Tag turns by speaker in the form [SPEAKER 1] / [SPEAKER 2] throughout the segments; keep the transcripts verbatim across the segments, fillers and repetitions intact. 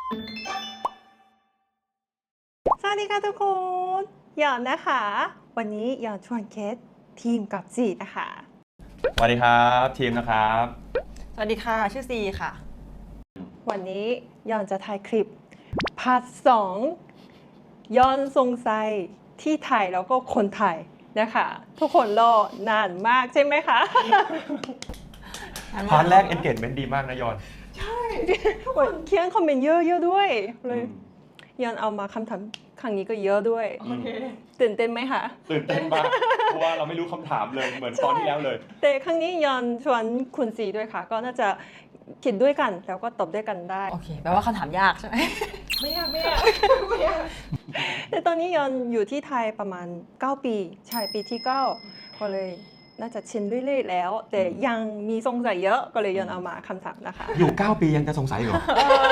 [SPEAKER 1] สวัสดีค่ะทุกคนหยอนนะคะ วันนี้หยอนชวนเคสทีมกับจีนะคะ
[SPEAKER 2] สวัสดีครับทีมนะครับ
[SPEAKER 3] สวัสดีค่ะชื่อซีค่ะ
[SPEAKER 1] วันนี้หยอนจะถ่ายคลิปพาร์ทสองยอนสงสัยที่ไทยแล้วก็คนไทยนะคะ ทุกคนรอนานมากใช่ไหมคะ
[SPEAKER 2] พาร์ทแรก engagement ดีมากนะยอน
[SPEAKER 1] ใช่ทุกคนเขียนคอมเมนต์เยอะๆด้วยเลยยอนเอามาคำถามครั้งนี้ก็เยอะด้วยตื่นเต้นไหมคะ
[SPEAKER 2] ตื่นเต้นมาก เพราะว่าเราไม่รู้คำถามเลยเหมือนตอนที่แล้วเลย
[SPEAKER 1] แต่ครั้งนี้ยอนชวนคุณสีด้วยค่ะ ก็น่าจะคิดด้วยกันแล้วก็ตอบด้วยกันได้
[SPEAKER 3] โอเคแปลว่าคำถามยากใช่ไหม
[SPEAKER 1] ไม่ยากไม่ยากไม่ยากแต่ตอนนี้ยอนอยู่ที่ไทยประมาณเก้าปีใช่ปีที่เก้าก็เลยน่าจะชินเรื่อยๆแล้ว แต่ยังมีสงสัยเยอะก็เลยยอนเอามาคำถามนะคะ
[SPEAKER 2] อยู่เก้าปียังจะสงสัยเหรอ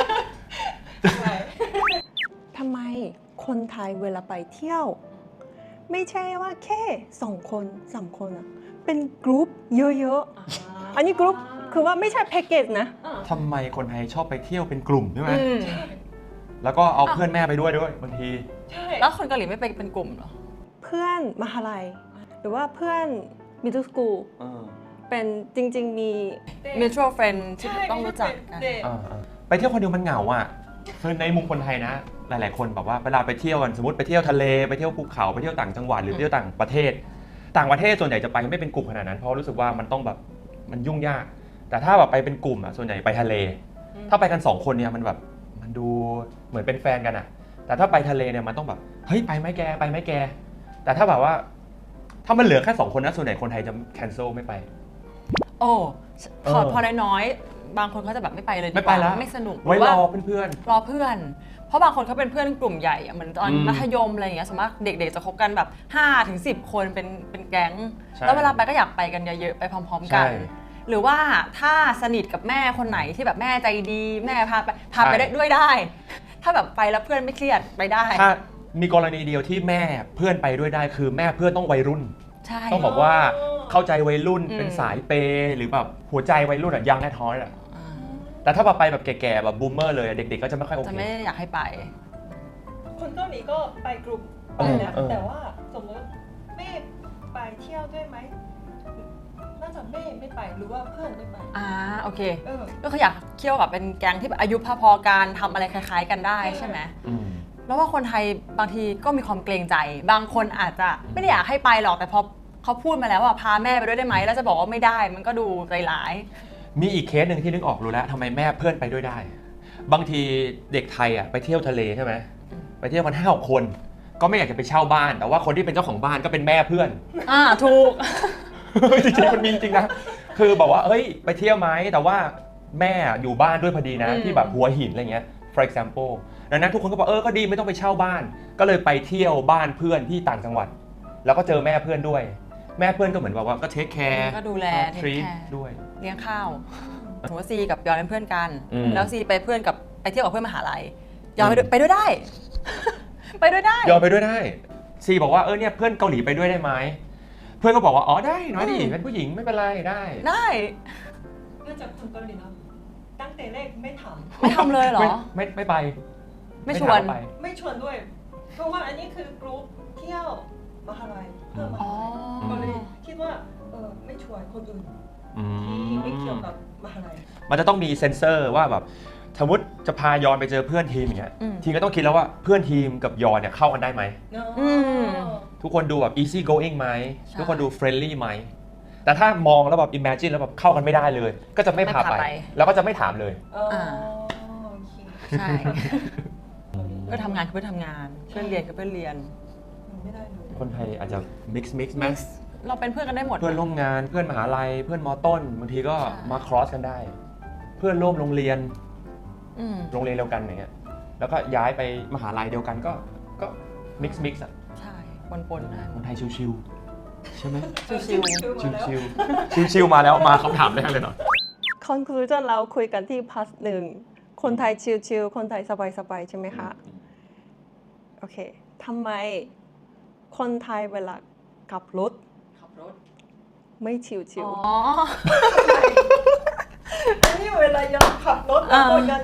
[SPEAKER 1] ทำไมคนไทยเวลาไปเที่ยว ไม่ใช่ว่าแค่สองคนสามคนอะเป็นกรุ๊ปเยอะๆอันนี้กรุ๊ปคือว่าไม่ใช่แพ็กเกจนะ
[SPEAKER 2] ทำไมคนไทยชอบไปเที่ยวเป็นกลุ่มใช่ไหม
[SPEAKER 3] อืม
[SPEAKER 2] แล้วก็เอาเพื่อนแม่ไปด้วยด้วยบางที
[SPEAKER 3] แล้วคนเกาหลีไม่ไปเป็นกลุ่มเหรอ
[SPEAKER 1] เพื่อนมหาลัยหรือว่าเพื่อนมิดเดิลสกูล
[SPEAKER 2] เออ
[SPEAKER 1] เป็นจริงๆมี
[SPEAKER 3] mutual friend ที่ต้องรู้จักกัน
[SPEAKER 2] เออเออไปเที่ยวคนเดียวมันเหงาอ่ะคือในมุมคนไทยนะ หลายๆคนแบบว่าเวลาไปเที่ยวกันสมมติไปเที่ยวทะเลไปเที่ยวภูเขาไปเที่ยวต่างจังหวัดหรือไปเที่ยวต่างประเทศ ต่างประเทศส่วนใหญ่จะไปไม่เป็นกลุ่มขนาดนั้นเพราะรู้สึกว่ามันต้องแบบมันยุ่งยาก แต่ถ้าแบบไปเป็นกลุ่มอ่ะส่วนใหญ่ไปทะเล ถ้าไปกันสองคนเนี่ยมันแบบมันดูเหมือนเป็นแฟนกันอ่ะ แต่ถ้าไปทะเลเนี่ยมันต้องแบบเฮ้ยไปไหมแกไปไหมแก แต่ถ้าแบบว่า ถ้ามันเหลือแค่สองคนนะส่วนใหญ่คนไทยจะ cancel ไม่ไป
[SPEAKER 3] โอ้พอ
[SPEAKER 2] เออ
[SPEAKER 3] พอน้อยๆบางคนเขาจะแบบไม่ไปเลยดีกา
[SPEAKER 2] ไม่ไปแล้ว
[SPEAKER 3] ไม่สนุก
[SPEAKER 2] ไว้
[SPEAKER 3] หรือ
[SPEAKER 2] ร
[SPEAKER 3] ว่า
[SPEAKER 2] อเพื่อน
[SPEAKER 3] รอเพื่อน เพราะบางคนเขาเป็นเพื่อนกลุ่มใหญ่อะเหมือนตอน
[SPEAKER 2] อืม
[SPEAKER 3] มัธยมอะไรอย่างเงี้ยสมมติเด็กๆจะคบกันแบบห้าถึงสิบคนเป็นเป็นแก๊ง
[SPEAKER 2] ใช่
[SPEAKER 3] แล้วเวลาไปก็อยากไปกันเยอะๆไปพร้อม ๆ กัน
[SPEAKER 2] ใช่
[SPEAKER 3] หรือว่าถ้าสนิทกับแม่คนไหนที่แบบแม่ใจดีแม่พาไปพาไป
[SPEAKER 2] ใช่
[SPEAKER 3] ได้ด้วยได้ ถ้าแบบไปแล้วเพื่อนไม่เครียดไปได้
[SPEAKER 2] ๆถ้ามีกรณีเดียวที่แม่เพื่อนไปด้วยได้คือแม่เพื่อนต้องวัยรุ่น
[SPEAKER 3] ใช่
[SPEAKER 2] ต้องบอกว่าเข้าใจวัยรุ่น
[SPEAKER 3] อืม
[SPEAKER 2] เป็นสายเปย์หรือแบบหัวใจวัยรุ่นอะยังแน่ท้อยอะ
[SPEAKER 3] อ่า
[SPEAKER 2] แต่ถ้าแบบไปแบบแก่ๆแบบบูมเมอร์เลยอะเด็กๆก็จะไม่ค่อยโอ
[SPEAKER 3] จะ
[SPEAKER 2] เค
[SPEAKER 3] ไม่ได้อยากให้ไป
[SPEAKER 1] คนเกาหลีก็ไปกลุ่ม
[SPEAKER 2] เออเออ
[SPEAKER 1] แต่ว่าสมมติแม่ไปเที่ยวด้วยไหมน่าจะแม่ไม่ไปหรือว่าเพื่อนไม่ไป
[SPEAKER 3] อ่าโอเค
[SPEAKER 1] เออ
[SPEAKER 3] ก็คืออยากเที่ยวกับเป็นแก๊งที่แบบอายุพอๆกันทำอะไรคล้ายๆกันได้ใช่ไหม
[SPEAKER 2] อืม
[SPEAKER 3] แล้วว่าคนไทยบางทีก็มีความเกรงใจ บางคนอาจจะไม่ได้อยากให้ไปหรอกแต่พอเขาพูดมาแล้วว่าพาแม่ไปด้วยได้ไหมแล้วจะบอกว่าไม่ได้มันก็ดูใจร้าย
[SPEAKER 2] มีอีกเคสหนึ่งที่นึกออกรู้แล้วทำไมแม่เพื่อนไปด้วยได้ บางทีเด็กไทยอ่ะไปเที่ยวทะเลใช่ไหมไปเที่ยวกันห้าหกคน ก็ไม่อยากจะไปเช่าบ้าน แต่ว่าคนที่เป็นเจ้าของบ้านก็เป็นแม่เพื่อน
[SPEAKER 3] อ่าถูก
[SPEAKER 2] จริงๆมันมีจริงนะคือบอกว่าเฮ้ยไปเที่ยวไหมแต่ว่าแม่อยู่บ้านด้วยพอดีนะ
[SPEAKER 3] อืม
[SPEAKER 2] ที่แบบหัวหินอะไรเงี้ย for example ดังนั้นทุกคนก็บอกเออก็ดีไม่ต้องไปเช่าบ้าน ก็เลยไปเที่ยวบ้านเพื่อนที่ต่างจังหวัด แล้วก็เจอแม่เพื่อนด้วย แม่เพื่อนก็เหมือนแบบว่าก็เทคแคร์
[SPEAKER 3] ก็ดูแล
[SPEAKER 2] ทรี
[SPEAKER 3] take
[SPEAKER 2] ต
[SPEAKER 3] care
[SPEAKER 2] ด้วย
[SPEAKER 3] เลี้ยงข้าวสมมติว่าซีกับยอนเป็นเพื่อนกัน
[SPEAKER 2] อืม
[SPEAKER 3] แล้วซีไปเพื่อนกับไปเที่ยวกับเพื่อนมหาลัยยอนไปด้วยไปด้วยได้ ไปด้วยได้
[SPEAKER 2] ยอมไปด้วยได้ซีบอกว่าเออเนี่ยเพื่อนเกาหลีไปด้วยได้ไหมเพื่อนก็บอกว่าอ๋อได้น้อยดิ
[SPEAKER 3] อืม
[SPEAKER 2] เป็นผู้หญิงไม่เป็นไรได้
[SPEAKER 3] ได้
[SPEAKER 1] น่าจะคนเกาหลีเนาะตั้งแต่แรกไม่ถาม
[SPEAKER 3] ไม่ทำเลยเหรอ
[SPEAKER 2] ไม่ไม่ไม่ไป
[SPEAKER 3] ไม่ชวน
[SPEAKER 2] ถาาไป
[SPEAKER 1] ไม่ชวนด้วย เพราะว่าอันนี้คือกรุ๊ปเที่ยวมหาลัยเพื่อนม
[SPEAKER 3] อ๋
[SPEAKER 1] หา
[SPEAKER 3] อ
[SPEAKER 1] ลัยก็เลยคิดว่าเออไม่ชวนคนอื่น
[SPEAKER 2] อื
[SPEAKER 1] ที่ไม่เกี่ยว
[SPEAKER 2] ม
[SPEAKER 1] กับมหาลัย
[SPEAKER 2] มันจะต้องมีเซ็นเซอร์ว่าแบบสมมติจะพายอนไปเจอเพื่อนทีมอย่างเงี้ย
[SPEAKER 3] อืม
[SPEAKER 2] ทีมก็ต้องคิดแล้วว่าเพื่อนทีมกับยอนเนี่ยเข้ากันได้ไหม
[SPEAKER 1] เนอะ
[SPEAKER 3] อืม
[SPEAKER 2] ทุกคนดูแบบ easy going ไหม
[SPEAKER 3] ใช่
[SPEAKER 2] ทุกคนดู friendly ไหมแต่ถ้ามองแล้วแบบ imagine แล้วแบบเข้ากันไม่ได้เลย ก็จะไม่พา
[SPEAKER 3] ไม่พา
[SPEAKER 2] ไป
[SPEAKER 3] ไป
[SPEAKER 2] แล้วก็จะไม่ถามเลย
[SPEAKER 1] อ๋อ
[SPEAKER 3] อ่า
[SPEAKER 1] โอเค
[SPEAKER 3] ใช่ เพื่อนทำงานคือเพื่อนทำงาน เพื่อนเรียนคือเพื่อนเรียน
[SPEAKER 1] ไม่ได้เลย
[SPEAKER 2] คนไทยอาจจะ mix mix ไหม
[SPEAKER 3] เราเป็นเพื่อนกันได้หมด
[SPEAKER 2] เพื่อนร่วมงานเพื่อนมหาลัยเพื่อนมอต้นบางทีก็
[SPEAKER 3] ใช่
[SPEAKER 2] มา cross กันได้ เพื่อนร่วมโรงเรียน
[SPEAKER 3] อืม
[SPEAKER 2] โรงเรียนเดียวกันอย่างเงี้ยแล้วก็ย้ายไปมหาลัยเดียวกันก็ก็ mix mix อ่ะ
[SPEAKER 3] ใช่ปนๆได้
[SPEAKER 2] คนไทยชิวๆใช่ไหม
[SPEAKER 3] ชิว
[SPEAKER 2] ชิวๆชิวๆมาแล้วมาคำถามแรกเลยเนาะ
[SPEAKER 1] คอนคลูชั่นเราคุยกันที่พาร์ทหนึ่งคนไทยชิลๆคนไทยสบายๆใช่ไหมคะ โอเคทำไมคนไทยเวลาขับรถ
[SPEAKER 3] ขับรถ
[SPEAKER 1] ไม่ชิล
[SPEAKER 3] อ๋อ
[SPEAKER 1] ๆอันนี้เวลายังขับรถแล้วก็
[SPEAKER 3] อ่า
[SPEAKER 1] ยังอยาก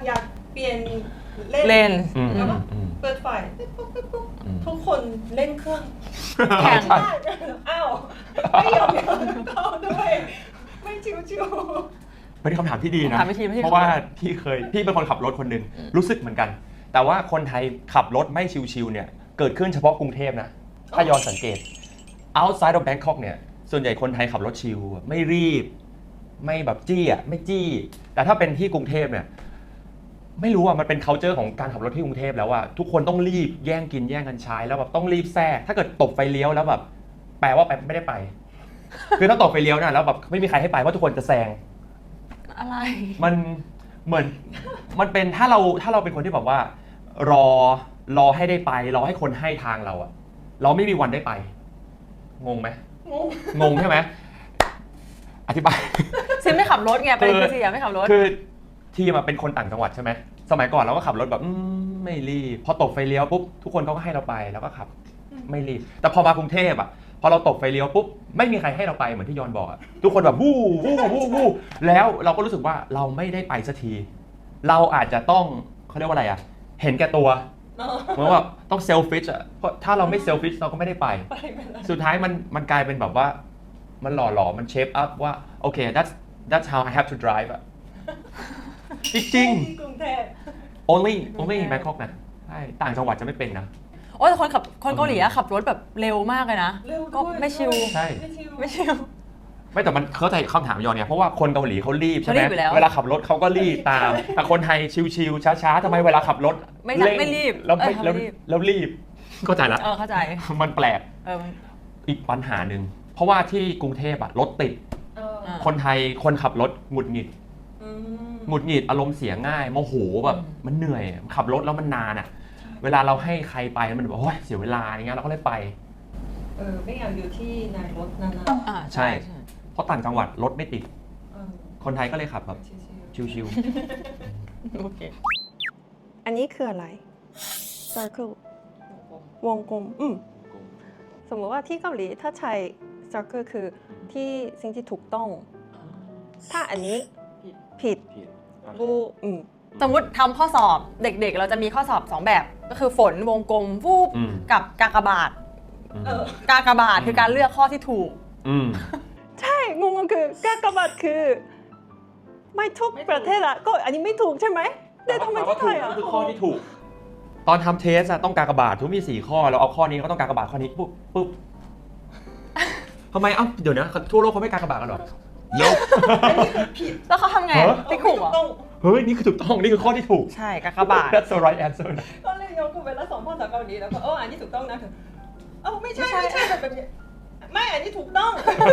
[SPEAKER 1] เปลี่ยน
[SPEAKER 3] เล่น
[SPEAKER 2] อืม
[SPEAKER 1] แล้วก็
[SPEAKER 2] อืม
[SPEAKER 1] เปิดไฟปุ๊บปุ๊บปุ๊บปุ๊บ
[SPEAKER 2] อืม
[SPEAKER 1] ทุกคนเล่นเครื่อง
[SPEAKER 3] แข่ง
[SPEAKER 2] ใช่
[SPEAKER 1] อ้าวไม่ยอมยอมเข้าด้วยไม่ชิว
[SPEAKER 2] เป็นคำถามที่ดีนะ
[SPEAKER 3] ถามไม่ทีไม่ใช่
[SPEAKER 2] เพราะว่าพี่เคยพี่เป็นคนขับรถคนหนึ่งรู้สึกเหมือนกัน แต่ว่าคนไทยขับรถไม่ชิวๆเนี่ยเกิดขึ้นเฉพาะกรุงเทพนะถ้าย้อนสังเกต outside of Bangkok เนี่ยส่วนใหญ่คนไทยขับรถชิวไม่รีบ ไม่แบบจี้อ่ะไม่จี้ แต่ถ้าเป็นที่กรุงเทพเนี่ยไม่รู้อ่ะมันเป็น culture ของการขับรถที่กรุงเทพแล้วว่าทุกคนต้องรีบแย่งกินแย่งกันใช้แล้วแบบต้องรีบแทรกถ้าเกิดตบไฟเลี้ยวแล้วแบบแปลว่าไปไม่ได้ไป คือถ้าตบไฟเลี้ยวนะแล้วแบบไม่มีใครให้ไปเพราะทุกคนจะแซง
[SPEAKER 3] อะไร
[SPEAKER 2] มันเหมือนมันเป็นถ้าเราถ้าเราเป็นคนที่แบบว่า รอรอให้ได้ไป รอให้คนให้ทางเราอะเราไม่มีวันได้ไป งงไหม
[SPEAKER 1] ๆงง
[SPEAKER 2] งงใช่ไหมอธิบาย
[SPEAKER 3] ซิมไม่ขับรถไงประเด็นคือซิมไม่ขับรถ
[SPEAKER 2] คือทีมอะเป็นคนต่างจังหวัดใช่ไหมสมัยก่อนเราก็ขับรถแบบอืมไม่รีบพอตกไฟเลี้ยวปุ๊บทุกคนเขาก็ให้เราไปแล้วก็ขับไม่รีบแต่พอมากรุงเทพอะพอเราตกไฟเลี้ยวปุ๊บไม่มีใครให้เราไปเหมือนที่ยอนบอกอะทุกคนแบบวู้วู้วู้วู้แล้วเราก็รู้สึกว่าเราไม่ได้ไปสักที เราอาจจะต้องเขาเรียกว่าอะไรอะเห็นแก่ตัว
[SPEAKER 1] เนอะ
[SPEAKER 2] เหมือนว่าต้องเซลฟิชอะเพราะถ้าเราไม่เซลฟิชเราก็ไม่ได้ไป
[SPEAKER 1] ไปไม่ได้
[SPEAKER 2] สุดท้ายมันมันกลายเป็นแบบว่ามันหล่อหลอมันเชฟอัพว่าโอเค that's that's how I have to drive อะ จริง
[SPEAKER 1] ที่กรุงเทพ
[SPEAKER 2] ๆ only only in Bangkok นะใช่ต่างจังหวัดจะไม่เป็นนะ
[SPEAKER 3] โอ้แต่คนขับคนเกาหลีอะขับรถแบบเร็วมากเลยนะ
[SPEAKER 1] เร็ว
[SPEAKER 3] ก็
[SPEAKER 1] ด้วย
[SPEAKER 3] ไม่ชิว
[SPEAKER 2] ใช่
[SPEAKER 1] ไม่ชิว
[SPEAKER 3] ไม่ชิว
[SPEAKER 2] ไม่แต่มันเข้าใจคำถามยอนเนี่ยเพราะว่าคนเกาหลีเขารีบใช่ไหม
[SPEAKER 3] เขารีบอยู่แล้ว
[SPEAKER 2] เวลาขับรถเขาก็รีบตาม แต่คนไทยชิวๆช้าๆทำไมเวลาขับรถ
[SPEAKER 3] ไม่ทัน
[SPEAKER 2] เร่ง
[SPEAKER 3] ไม่รีบ
[SPEAKER 2] แล้วไม่
[SPEAKER 3] เออ
[SPEAKER 2] แล้ว
[SPEAKER 3] ไม่รีบ
[SPEAKER 2] แล้วรีบเข้าใจละ
[SPEAKER 3] เออเข้าใจ
[SPEAKER 2] มันแปลก
[SPEAKER 3] เออ
[SPEAKER 2] อีกปัญหาหนึ่งเพราะว่าที่กรุงเทพอะรถติด
[SPEAKER 1] เออ
[SPEAKER 3] อ่า
[SPEAKER 2] คนไทยคนขับรถหงุดหงิด
[SPEAKER 1] อืม
[SPEAKER 2] หงุดหงิดอารมณ์เสียง่ายโมโหแบบมันเหนื่อยขับรถแล้วมันนานอ่ะ เวลาเราให้ใครไปมันแบบโอ้ยเสียเวลาอย่างเงี้ยเราก็เลยไป
[SPEAKER 1] เออไม่อยากอยู่ที่ในรถนาน
[SPEAKER 3] อ่า
[SPEAKER 2] ใช่ เพราะต่างจังหวัดรถไม่ติด
[SPEAKER 1] ๆเออ
[SPEAKER 2] คนไทยก็เลยขับแบบ
[SPEAKER 1] ชิว
[SPEAKER 2] ชิว
[SPEAKER 3] โอเค
[SPEAKER 1] ๆอันนี้คืออะไร circle วงกลมอืมสมมติว่าที่เกาหลีถ้าใช้ circle คือที่สิ่งที่ถูกต้อง ถ้าอันนี้ผิดบูอืม
[SPEAKER 3] สมมติทำข้อสอบเด็กๆ เราจะมีข้อสอบสองแบบ ก็คือฝนวงกลมวูบ
[SPEAKER 2] อืม
[SPEAKER 3] กับกากบาท
[SPEAKER 2] ๆอืม
[SPEAKER 1] เออ
[SPEAKER 3] กากบาทคือการเลือกข้อที่ถูก
[SPEAKER 2] อืม
[SPEAKER 1] ใช่งงก็คือกากบาทคือ ไม่ทุกประเทศอะก็อันนี้ไม่ถูกใช่ไหมแต่ทำไมที่ไทยอะ
[SPEAKER 2] ก็คือข้อที่ถูก ตอนทำเทสอะต้องกากบาททุกมีสี่ข้อเราเอาข้อนี้ก็ต้องกากบาทข้อนี้ปุ๊บปุ๊บทำไมเอ้าเดี๋ยวนะทั่วโลกเขาไม่กากบาทกันหรอ
[SPEAKER 1] อันนี้คือผิด
[SPEAKER 3] แล้วเขาทำไง
[SPEAKER 2] เหรอ
[SPEAKER 3] ติ๊กถูกเหรอ
[SPEAKER 1] ต้อง
[SPEAKER 2] เฮ้ยนี่คือถูกต้องนี่คือข้อที่ถูก
[SPEAKER 3] ใช่กากบาท
[SPEAKER 2] That's the right answer
[SPEAKER 1] ก็เลยยกเวลาสอนภาษาเกาหลีแล้วก็เอออันนี้ถูกต้องนะถึงเออไม่ใช่
[SPEAKER 3] ไม่
[SPEAKER 1] ไม่
[SPEAKER 3] ใช่
[SPEAKER 1] ใช่แบบนี้ไม่อันนี้ถูกต้อง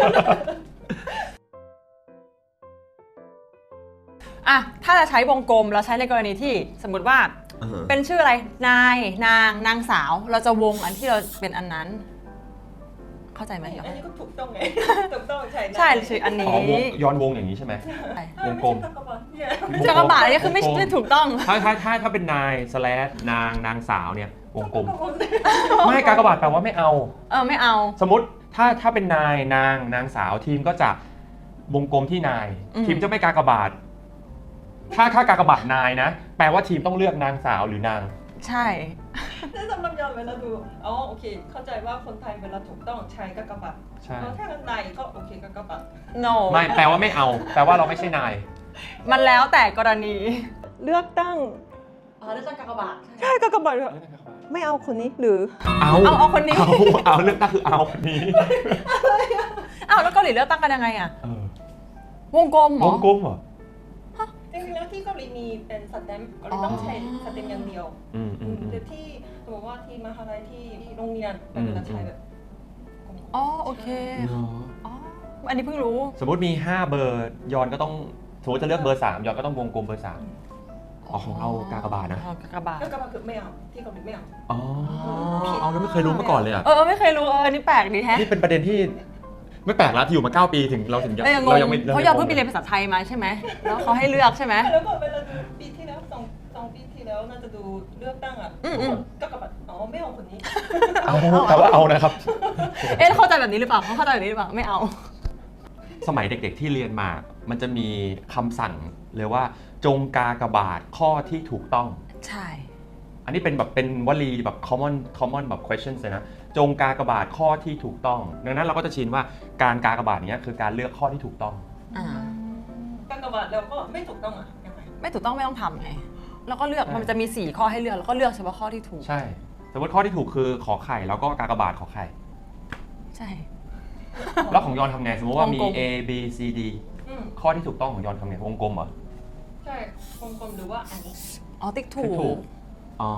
[SPEAKER 3] อ่ะถ้าจะใช้วงกลมเราใช้ในกรณีที่สมมติว่าเป็นชื่ออะไรนายนางนางสาวเราจะวงอันที่เราเป็นอันนั้น เข้าใจไหมหรอ
[SPEAKER 1] อันนี้ก็ถูกต้องไง ถูกต้องใช่นะ
[SPEAKER 3] ใช่ชื่ออัน
[SPEAKER 2] อ๋อ
[SPEAKER 3] นี้
[SPEAKER 2] วงย้อนวงอย่างนี้ใช่ไหม วงกลม
[SPEAKER 1] ไม่ใช่กากบาทเนี่ย
[SPEAKER 3] กากบาทนี่คือไม่ไม่ถูกต้อง
[SPEAKER 2] ถ้าถ้าถ้าถ้าเป็นนาย slash นางนางสาวเนี่ยวงกลม
[SPEAKER 1] กากบาท
[SPEAKER 2] ไม่กากบาทแปลว่าไม่เอา
[SPEAKER 3] เออไม่เอา
[SPEAKER 2] สมมติถ้าถ้าเป็นนายนางนางสาวทีมก็จะวงกลมที่นาย
[SPEAKER 3] อืม
[SPEAKER 2] ทีมจะไม่กากบาท ถ้าถ้ากากบาทนายนะ แปลว่าทีมต้องเลือกนางสาวหรือนาง
[SPEAKER 3] ใช่
[SPEAKER 1] แต่สำหรับยอนเวลาดูอ๋อโอเค เข้าใจว่าคนไทยเวลาถูกต้องใช้กากบาท
[SPEAKER 2] ใช่
[SPEAKER 1] แล้วถ้าเป็นนายก็โอเคกากบาท
[SPEAKER 3] no
[SPEAKER 2] ไม่แปลว่าไม่เอา แปลว่าเราไม่ใช่นาย
[SPEAKER 3] มันแล้วแต่กรณี
[SPEAKER 1] เลือกตั้ง
[SPEAKER 3] อ๋อเลือกตั้งกากบาท
[SPEAKER 1] ใช่กากบาทอะไม่เอาคนนี้หรือ
[SPEAKER 2] เอา
[SPEAKER 3] เอาเอาคนนี้
[SPEAKER 2] เอาเอาเลือกตั้งคือเอาคนนี้
[SPEAKER 3] อ้าวแล้วเกาหลีเลือกตั้งกันยังไงอะ
[SPEAKER 2] เออ
[SPEAKER 3] วงกลมเหร
[SPEAKER 2] ว
[SPEAKER 3] อง
[SPEAKER 2] กลมเหรอ
[SPEAKER 1] จริงๆแล้วที่เกาหลีมีเป็นสแตมป์เกาหลีต้องใช้สแตมป์อย่างเดียว
[SPEAKER 2] อืมอืมอืม
[SPEAKER 1] แต่ที่สมมติว่าที่มหาลัยที่ที่โรงเรียน
[SPEAKER 2] อืม
[SPEAKER 1] เวลาใช้แบบ
[SPEAKER 3] อ๋อโอเคอ๋ออันนี้เพิ่งรู้
[SPEAKER 2] สมมติมีห้าเบอร์ยอนก็ต้องสมมติจะเลือกเบอร์สามยอนก็ต้องวงกลมเบอร์สามอ๋อของเรากากบาทนะ
[SPEAKER 3] อ๋อกากบาท
[SPEAKER 1] กากบาทคือไม่เอาที่เกาหลีไม่เอา
[SPEAKER 2] อ๋อเอาแล้วไม่เคยรู้มาก่อนเลยอ่ะ
[SPEAKER 3] เออไม่เคยรู้เอออันนี้แปลกดีแฮะ
[SPEAKER 2] นี่เป็นประเด็นที่ไม่แปลกแล้วที่อยู่มาเก้าปีถึงเราถึงยัง
[SPEAKER 3] เอองง
[SPEAKER 2] เรายังไม่
[SPEAKER 3] เขายอมเพิ่งไปเรียนภาษาไทยมาใช่ไหมแล้วเขาให้เลือกใช่ไหม
[SPEAKER 1] แล้วก็เวลาดูปีที่แล้วสองสองปีที่แล้วน่าจะดูเลือกตั้งอ่ะ
[SPEAKER 3] อืมอืม
[SPEAKER 1] กากบาทอ๋อไม่เอาคนนี้
[SPEAKER 2] เอาแต่ว่าเอานะครับ
[SPEAKER 3] เอ๊ะเข้าใจแบบนี้หรือเปล่าเขาเข้าใจแบบนี้หรือเปล่าไม่เอา
[SPEAKER 2] สสมัยเด็กๆที่เรียนมา มันจะมีคำสั่งเลยว่าจงกากบาทข้อที่ถูกต้อง
[SPEAKER 3] ใช่
[SPEAKER 2] อันนี้เป็นแบบเป็นวลีแบบ common common แบบ questions เลยนะจงกากบาทข้อที่ถูกต้อง ดังนั้นเราก็จะชินว่าการกากบาทเนี้ยคือการเลือกข้อที่ถูกต้อง
[SPEAKER 3] อ่า
[SPEAKER 1] กากบาทแล้วก็ไม่ถูกต้องอ่ะยังไง
[SPEAKER 3] ไม่ถูกต้องไม่ต้องทำไงแล้วก็เลือก
[SPEAKER 2] ใช่
[SPEAKER 3] มันจะมีสี่ข้อให้เลือกแล้วก็เลือกเฉพาะข้อที่ถูก
[SPEAKER 2] ใช่ สมมติข้อที่ถูกคือขอไข่แล้วก็กากบาทขอไข่
[SPEAKER 3] ใช่
[SPEAKER 2] แล้วของยอนทำไงสมมติว่ามี
[SPEAKER 3] วงกลม
[SPEAKER 2] A B C D
[SPEAKER 1] อืม
[SPEAKER 2] ข้อที่ถูกต้องของยอนทำไงวงกลมเหรอ
[SPEAKER 1] ใช่วงกลมหรือว่าอันนี้
[SPEAKER 3] อ๋อติ๊กถู
[SPEAKER 2] ติ๊กถู
[SPEAKER 3] ก
[SPEAKER 2] ก อ๋อ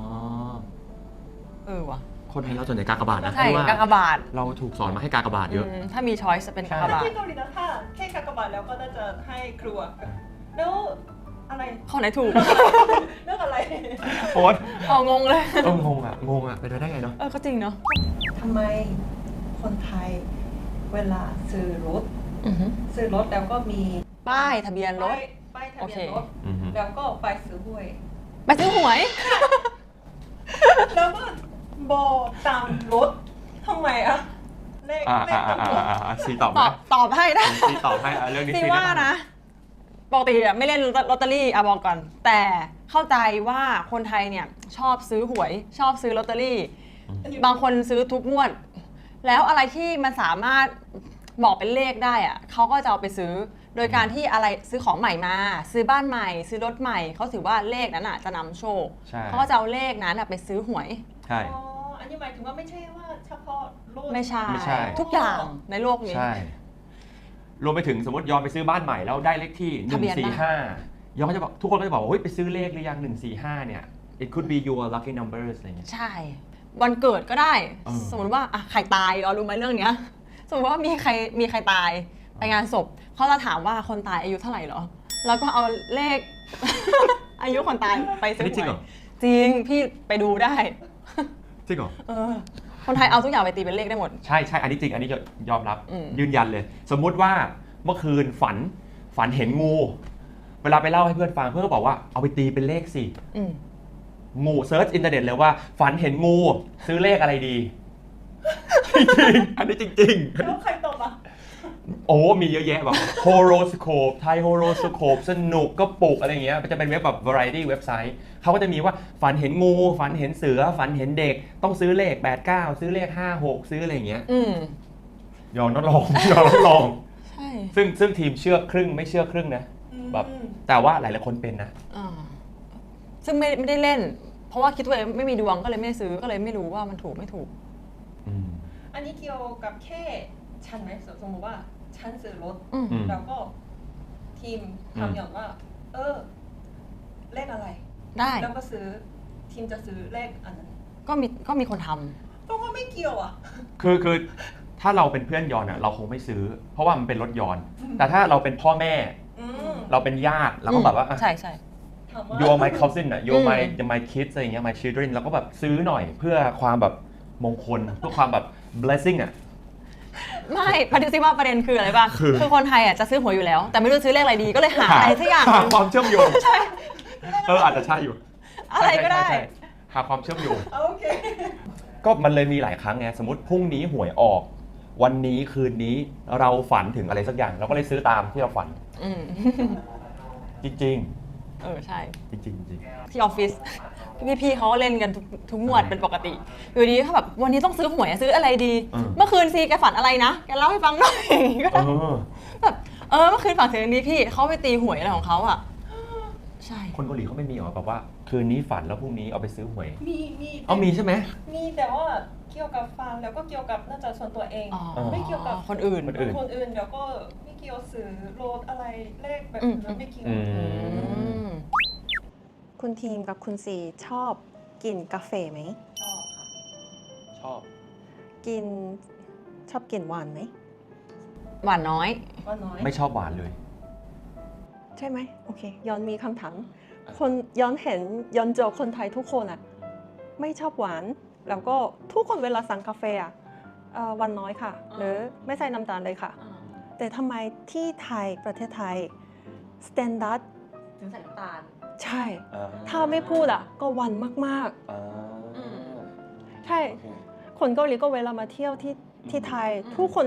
[SPEAKER 3] เออว่ะ
[SPEAKER 2] คนไทยเราส่วนใหญ่กากบาทนะ
[SPEAKER 3] ใช่
[SPEAKER 2] เพราะว่าก
[SPEAKER 3] ากบาท
[SPEAKER 2] เราถูกสอนมาให้กากบาทเยอะ
[SPEAKER 3] อืมถ้ามีช้อยส์จะเป็นกากบาท
[SPEAKER 1] ที่เกาหลีนะถ้าแค่กากบาทแล้วก็น่าจะให้ครัว แล้วอะไร
[SPEAKER 3] ข้อไหนถูก
[SPEAKER 1] เรื่องอะไร
[SPEAKER 2] โอ๊ต
[SPEAKER 3] อ๋องงเลย
[SPEAKER 2] เอองงอ่ะ งงอ่ะ เป็นไปได้ไงเนาะ
[SPEAKER 3] เออก็จริงเนาะ
[SPEAKER 1] ทำไมคนไทยเวลาซื้อรถ
[SPEAKER 3] อือฮึ
[SPEAKER 1] ซื้อรถแล้วก็มี
[SPEAKER 3] ป้ายทะเบียนรถ
[SPEAKER 1] ป้ายป้ายทะเบียน
[SPEAKER 3] โอเค
[SPEAKER 1] รถ
[SPEAKER 2] อือฮึ
[SPEAKER 1] แล้วก็ไปซื้อหวย
[SPEAKER 3] ไปซื้อหวย
[SPEAKER 1] แล้วก็บอกตามรถทำไมอะเลข
[SPEAKER 2] อ่า
[SPEAKER 1] เล
[SPEAKER 2] อ่า
[SPEAKER 1] ข
[SPEAKER 2] อ่า
[SPEAKER 1] ตำรวจ
[SPEAKER 2] อ่าอ่าซีตอบไห
[SPEAKER 3] ต
[SPEAKER 2] ม
[SPEAKER 3] อบตอบให้ได้
[SPEAKER 2] ซีตอบให้อ่ะเรื่องนี้
[SPEAKER 3] ซี
[SPEAKER 2] ซี
[SPEAKER 3] ว่า
[SPEAKER 2] ได้ป
[SPEAKER 3] นะปกติอะไม่เล่นลอตเตอรี่อะบอกก่อน แต่เข้าใจว่าคนไทยเนี่ยชอบซื้อหวย ชอบซื้อลอตเตอรี่ บางคนซื้อทุกงวด แล้วอะไรที่มันสามารถบอกเป็นเลขได้อะเขาก็จะเอาไปซื้อ โดยการที่อะไรซื้อของใหม่มา ซื้อบ้านใหม่ ซื้อรถใหม่เขาถือว่าเลขนั้นอะจะนำโชค
[SPEAKER 2] ใช่
[SPEAKER 3] เขาก็จะเอาเลขนั้นอะไปซื้อหวย
[SPEAKER 2] ใช่
[SPEAKER 1] อ๋อ อันนี้หมายถึงว่าไม่ใช่ว่าเฉพาะรถ
[SPEAKER 3] ไม่ใช่
[SPEAKER 2] ไม่ใช่
[SPEAKER 3] ทุกอย่างในโลกนี้
[SPEAKER 2] ใช่ รวมไปถึงสมมติยอมไปซื้อบ้านใหม่แล้วได้เลขที่ห
[SPEAKER 3] ทะ
[SPEAKER 2] นึ่ง
[SPEAKER 3] เบียน
[SPEAKER 2] สี่
[SPEAKER 3] บ้าน
[SPEAKER 2] ห้ายอมก็จะบอกทุกคนก็จะบอกว่าเฮ้ยไปซื้อเลขหรือยังหนึ่งสี่ห้าเนี่ย it could be your lucky numbers อะไรเงี้ย
[SPEAKER 3] ใช่ วันเกิดก็ได้
[SPEAKER 2] เออ
[SPEAKER 3] สมมติว่าอ่ะใครตายเรารู้ไหมเรื่องเนี้ย สมมติว่ามีใครมีใครตายไปงานศพเขาจะถามว่าคนตายอายุเท่าไหร่เหรอ แล้วก็เอาเลข อายุคนตายไปซื้อ
[SPEAKER 2] นี่
[SPEAKER 3] ห
[SPEAKER 2] จริง
[SPEAKER 3] ว
[SPEAKER 2] เหร
[SPEAKER 3] ย
[SPEAKER 2] อ
[SPEAKER 3] จริงพี่ไปดูได้
[SPEAKER 2] จริงเหรอ
[SPEAKER 3] เออ คนไทยเอาทุกอย่างไปตีเป็นเลขได้หมด
[SPEAKER 2] ใช่ใช่อันนี้จริง อันนี้ยอมรับ
[SPEAKER 3] อืม
[SPEAKER 2] ยืนยันเลย สมมุติว่าเมื่อคืนฝันฝันเห็นงู เวลาไปเล่าให้เพื่อนฟังเพื่อนก็บอกว่าเอาไปตีเป็นเลขสิ
[SPEAKER 3] อืม
[SPEAKER 2] งูเซิร์ชอินเทอร์เน็ตเลยว่า ฝันเห็นงูซื้อเลขอะไรดี จริงๆอันนี้จริงๆ
[SPEAKER 1] แล้วใครตอบอ่ะ
[SPEAKER 2] โอ้มีเยอะแยะแบบโฮโรสโคปไทยโฮโรสโคปสนุกก็ปลุกอะไรเงี้ยมันจะเป็นเว็บแบบ variety เว็บไซต์เขาก็จะมีว่าฝันเห็นงู ฝันเห็นเสือ ฝันเห็นเด็ก ต้องซื้อเลขแปดเก้าซื้อเลขห้าหกซื้ออะไรเงี้ย
[SPEAKER 3] อืม
[SPEAKER 2] ยอมต้องลอง ยอมต้องลอง
[SPEAKER 3] ใช่
[SPEAKER 2] ซึ่งซึ่งทีมเชื่อครึ่งไม่เชื่อครึ่งนะแบบแต่ว่าหลายหลายคนเป็นนะ
[SPEAKER 3] อ่าซึ่งไม่ไม่ได้เล่น เพราะว่าคิดตัวเองไม่มีดวงก็เลยไม่ได้ซื้อก็เลยไม่รู้ว่ามันถูกไม่ถูก
[SPEAKER 2] อืม
[SPEAKER 1] อันนี้เกี่ยวกับแค่ฉันไหมสมมติว่าฉันซื้อรถ
[SPEAKER 3] อืม
[SPEAKER 2] อืม
[SPEAKER 1] แล้วก็ทีมทำอย่างว่า เออ เลขอะไร
[SPEAKER 3] ได้
[SPEAKER 1] แล้วก็ซื้อทีมจะซื้อเลขอันนั้น
[SPEAKER 3] ก็มีก็มีคนทำ
[SPEAKER 1] เพราะว่าไม่เกี่ยวอ่ะ
[SPEAKER 2] คือคือถ้าเราเป็นเพื่อนยอนอ่ะเราคงไม่ซื้อ เพราะว่ามันเป็นรถยอน แต่ถ้าเราเป็นพ่อแม่
[SPEAKER 1] อืม
[SPEAKER 2] เราเป็นญาติเราก็แบบว่าอ่ะ
[SPEAKER 3] ใช่ใช่
[SPEAKER 1] ถามว่า
[SPEAKER 2] you're my cousin อ่ะ you're my
[SPEAKER 3] อืม
[SPEAKER 2] my kids อะไรอย่างเงี้ย my children เราก็แบบซื้อหน่อยเพื่อความแบบมงคลเพื่อความแบบ blessing อ่ะ
[SPEAKER 3] ไม่ประเด็นซิว่าประเด็นคืออะไรป่ะ
[SPEAKER 2] คือ
[SPEAKER 3] คือคนไทยอ่ะจะซื้อหวยอยู่แล้ว แต่ไม่รู้ซื้อเลขอะไรดีก็เลยหาอะไรสักอย่างห
[SPEAKER 2] หา
[SPEAKER 3] นึ่ง
[SPEAKER 2] ความเชื่อมโยงเอออาจจะใช่อยู่
[SPEAKER 3] อะไรก็ได้
[SPEAKER 2] ใช่ใช่ใช่หาความเชื่อมโยง
[SPEAKER 1] โอเค
[SPEAKER 2] ก็มันเลยมีหลายครั้งไงสมมติพรุ่งนี้หวยออก วันนี้คืนนี้เราฝันถึงอะไรสักอย่าง เราก็เลยซื้อตามที่เราฝัน
[SPEAKER 3] อืม
[SPEAKER 2] จริง
[SPEAKER 3] เออใช่
[SPEAKER 2] ๆ จริงๆจริง
[SPEAKER 3] ที่ออฟฟิศพี่ๆเขาก็เล่นกันทุกทุกงวดเป็นปกติอยู่ดีเขาแบบวันนี้ต้องซื้อหวยอะซื้ออะไรดี เมื่อคืนซีแกฝันอะไรนะแกเล่าให้ฟังหน่อยก็
[SPEAKER 2] เอ
[SPEAKER 3] ได้
[SPEAKER 2] อ
[SPEAKER 3] แบบเออเมื่อคืนฝันถึงอันนี้พี่เขาไปตีหวยอะไรของเขาอ่ะใช่
[SPEAKER 2] คนเกาหลีเขาไม่มีหรอแบบว่าคืนนี้ฝันแล้วพรุ่งนี้เอาไปซื้อหวย
[SPEAKER 1] มีมี
[SPEAKER 2] เอามีใช่ไหม
[SPEAKER 1] มีแต่ว่าเกี่ยวกับฟันแล้วก็เกี่ยวกับน่าจะส่วนตัวเอง
[SPEAKER 3] อ๋อ
[SPEAKER 1] ไม่เกี่ยวกับ
[SPEAKER 3] คนอื่น
[SPEAKER 2] คนอื่น
[SPEAKER 1] คนอื่นแล้วก็ไม่เกี่ยวสื่อโรดอะไรเลขแบบ
[SPEAKER 3] อืม
[SPEAKER 1] นั้นไม่เกี่ยว
[SPEAKER 2] อื
[SPEAKER 3] อื
[SPEAKER 2] ม
[SPEAKER 3] ม
[SPEAKER 1] คุณทีมกับคุณซีชอบกินกาแฟไหม
[SPEAKER 2] ชอบค่ะชอบ
[SPEAKER 1] กินชอบกินหวานไหม
[SPEAKER 3] หวานน้อย
[SPEAKER 1] หวานน้อย
[SPEAKER 2] ไม่ชอบหวานเลย
[SPEAKER 1] ใช่ไหมโอเคย้อนมีคำถามคนย้อนเห็นย้อนเจอคนไทยทุกคนอ่ะไม่ชอบหวาน แล้วก็ทุกคนเวลาสั่งกาแฟอ่ะเอ่อหวานน้อยค่ะ หรือไม่ใส่น้ำตาลเลยค่ะ แต่ทำไมที่ไทยประเทศไทยสแตนดาร์ด
[SPEAKER 3] ถึงใส่น้ำตาล
[SPEAKER 1] ใช่ ถ้าไม่พูดอ่ะก็หวานมาก
[SPEAKER 2] อ่า
[SPEAKER 1] ๆ ใช่ คนเกาหลีก็เวลามาเที่ยวที่ที่ไทย
[SPEAKER 3] อืม
[SPEAKER 1] ทุกคน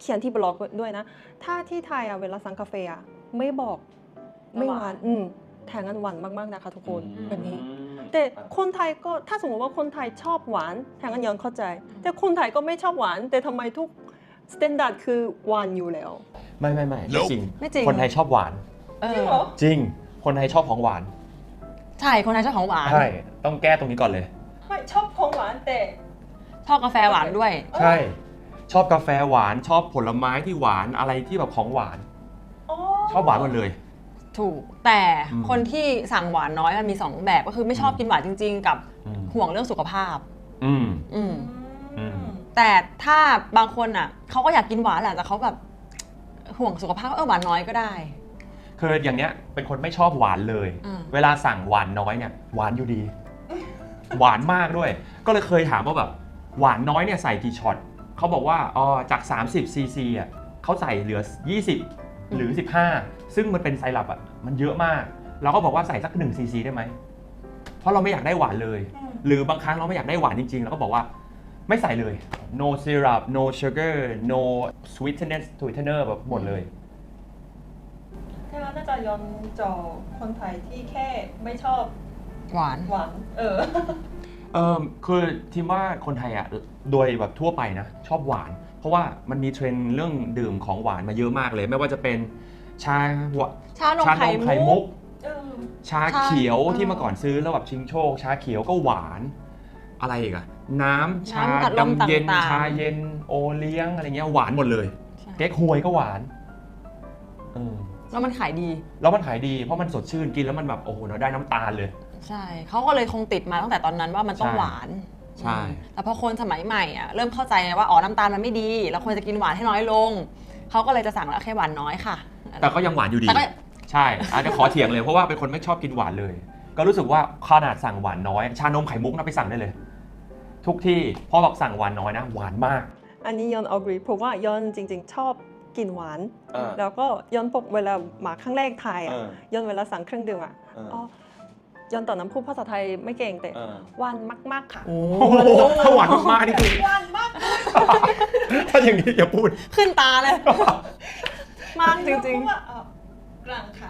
[SPEAKER 1] เขียนที่บล็อกด้วยนะ ถ้าที่ไทยอ่ะเวลาสั่งกาแฟอ่ะไม่บอกไม่หวานอืมแทนกันหวานมากๆนะคะทุกคนแบบนี้ แต่คนไทยก็ถ้าสมมติว่าคนไทยชอบหวานแทนกันยอนเข้าใจ แต่คนไทยก็ไม่ชอบหวาน แต่ทำไมทุกสแตนดาร์ดคือหวานอยู่แล้ว
[SPEAKER 2] ไม่ไม่ไม่ไม่จริง
[SPEAKER 3] ไม่จริง
[SPEAKER 2] คนไทยชอบหวาน
[SPEAKER 3] เอ
[SPEAKER 1] จริง
[SPEAKER 3] อ
[SPEAKER 1] เหรอ
[SPEAKER 2] จริง คนไทยชอบของหวาน
[SPEAKER 3] ใช่ คนไทยชอบของหวาน
[SPEAKER 2] ใช่ต้องแก้ตรงนี้ก่อนเลย
[SPEAKER 1] ไม่ชอบของหวานแต่
[SPEAKER 3] ชอบกาแฟหวานด้วย
[SPEAKER 2] ใช่ ชอบกาแฟหวานชอบผลไม้ที่หวานอะไรที่แบบของหวาน
[SPEAKER 1] อ๋อ
[SPEAKER 2] ชอบหวานหมดเลย
[SPEAKER 3] ถูก แต่
[SPEAKER 2] อืม
[SPEAKER 3] คนที่สั่งหวานน้อยมันมีสองแบบก็คือไม่ชอบกินหวานจริง ๆ กับ
[SPEAKER 2] อืม
[SPEAKER 3] ห่วงเรื่องสุขภาพ
[SPEAKER 2] อืม
[SPEAKER 3] อืม
[SPEAKER 2] อืม
[SPEAKER 3] แต่ถ้าบางคนอ่ะเขาก็อยากกินหวานแหละแต่เขาแบบห่วงสุขภาพเออหวานน้อยก็ได้
[SPEAKER 2] คืออย่างเนี้ยเป็นคนไม่ชอบหวานเลย
[SPEAKER 3] อืม
[SPEAKER 2] เวลาสั่งหวานน้อยเนี่ยหวานอยู่ดี หวานมากด้วย ก็เลยเคยถามว่าแบบหวานน้อยเนี่ยใส่กี่ช็อตเขาบอกว่าอ๋อจากสามสิบซีซีอ่ะเขาใส่เหลือยี่สิบหรือสิบห้าซึ่งมันเป็นไซรัปอ่ะมันเยอะมากเราก็บอกว่าใส่สักหนึ่งซีซีได้ไหมเพราะเราไม่อยากได้หวานเลย หรือบางครั้งเราไม่อยากได้หวานจริงๆเราก็บอกว่าไม่ใส่เลย no syrup no sugar no sweetness sweetener แบบหมดเลย
[SPEAKER 1] ถ้าน่าจะย้อนจอคนไทยที่แค่ไม่ชอบ
[SPEAKER 3] หวาน
[SPEAKER 1] หวาน เออ
[SPEAKER 2] เออคือทีมว่าคนไทยอ่ะโดยแบบทั่วไปนะชอบหวาน เพราะว่ามันมีเทรนด์เรื่องดื่มของหวานมาเยอะมากเลย ไม่ว่าจะเป็นชาหว
[SPEAKER 3] ชานม
[SPEAKER 2] ชา
[SPEAKER 3] ไข่
[SPEAKER 2] นมไข่
[SPEAKER 3] มุ
[SPEAKER 2] มุ
[SPEAKER 3] ก
[SPEAKER 2] ก
[SPEAKER 1] เออ
[SPEAKER 2] ชาเขียว
[SPEAKER 3] ชา
[SPEAKER 2] ที่เมื่อก่อนซื้อแล้วแบบชิงโชค ชาเขียวก็หวานอะไรอีกอะน้ำชา
[SPEAKER 3] น้ำอัดลม
[SPEAKER 2] ดำเย็น
[SPEAKER 3] ต่างๆ
[SPEAKER 2] ชาเย็นโอเลี้ยงอะไรเงี้ยหวานหมดเลย
[SPEAKER 3] ใช่
[SPEAKER 2] เก๊กฮวยก็หวานเออ
[SPEAKER 3] แล้วมันขายดี
[SPEAKER 2] แล้วมันขายดีเพราะมันสดชื่นกินแล้วมันแบบโอ้โหเราได้น้ำตาลเลย
[SPEAKER 3] ใช่ เขาก็เลยคงติดมาตั้งแต่ตอนนั้นว่ามันต้อง
[SPEAKER 2] ใช่
[SPEAKER 3] หวาน
[SPEAKER 2] ใช่
[SPEAKER 3] แต่พอคนสมัยใหม่อ่ะเริ่มเข้าใจไงว่าอ๋อน้ำตาลมันไม่ดี เราควรจะกินหวานให้น้อยลง เขาก็เลยจะสั่งแล้วแค่หวานน้อยค่ะ
[SPEAKER 2] แต่ก็ยังหวานอยู่ดี
[SPEAKER 3] แต่ก็
[SPEAKER 2] ใช่อาจจะขอเถียงเลยเพราะว่าเป็นคนไม่ชอบกินหวานเลย ก็รู้สึกว่าขนาดสั่งหวานน้อย ชานมไข่มุกนะไปสั่งได้เลย ทุกที่พ่อบอกสั่งหวานน้อยนะหวานมาก
[SPEAKER 1] อันนี้ย้อน agree เพราะว่าย้อนจริงๆ ชอบกินหวาน
[SPEAKER 2] เออ
[SPEAKER 1] แล้วก็ย้อนปกเวลามาครั้งแรกไทยอ่ะ
[SPEAKER 2] เออ
[SPEAKER 1] ย้อนเวลาสั่งเครื่องดื่มอ่ะ
[SPEAKER 2] เออ
[SPEAKER 1] อ๋อย้อนตอนนั้นพูดภาษาไทยไม่เก่งแต่
[SPEAKER 2] เออ
[SPEAKER 1] หวานมากๆค่ะ
[SPEAKER 3] โอ้
[SPEAKER 2] โอ้โหถ้าหวานมากๆนี่คือ
[SPEAKER 1] หวานมาก
[SPEAKER 2] ถ้าอย่างนี้อย่าพูด
[SPEAKER 3] ขึ้นตาเลย มากจริง
[SPEAKER 1] ๆกลางค่ะ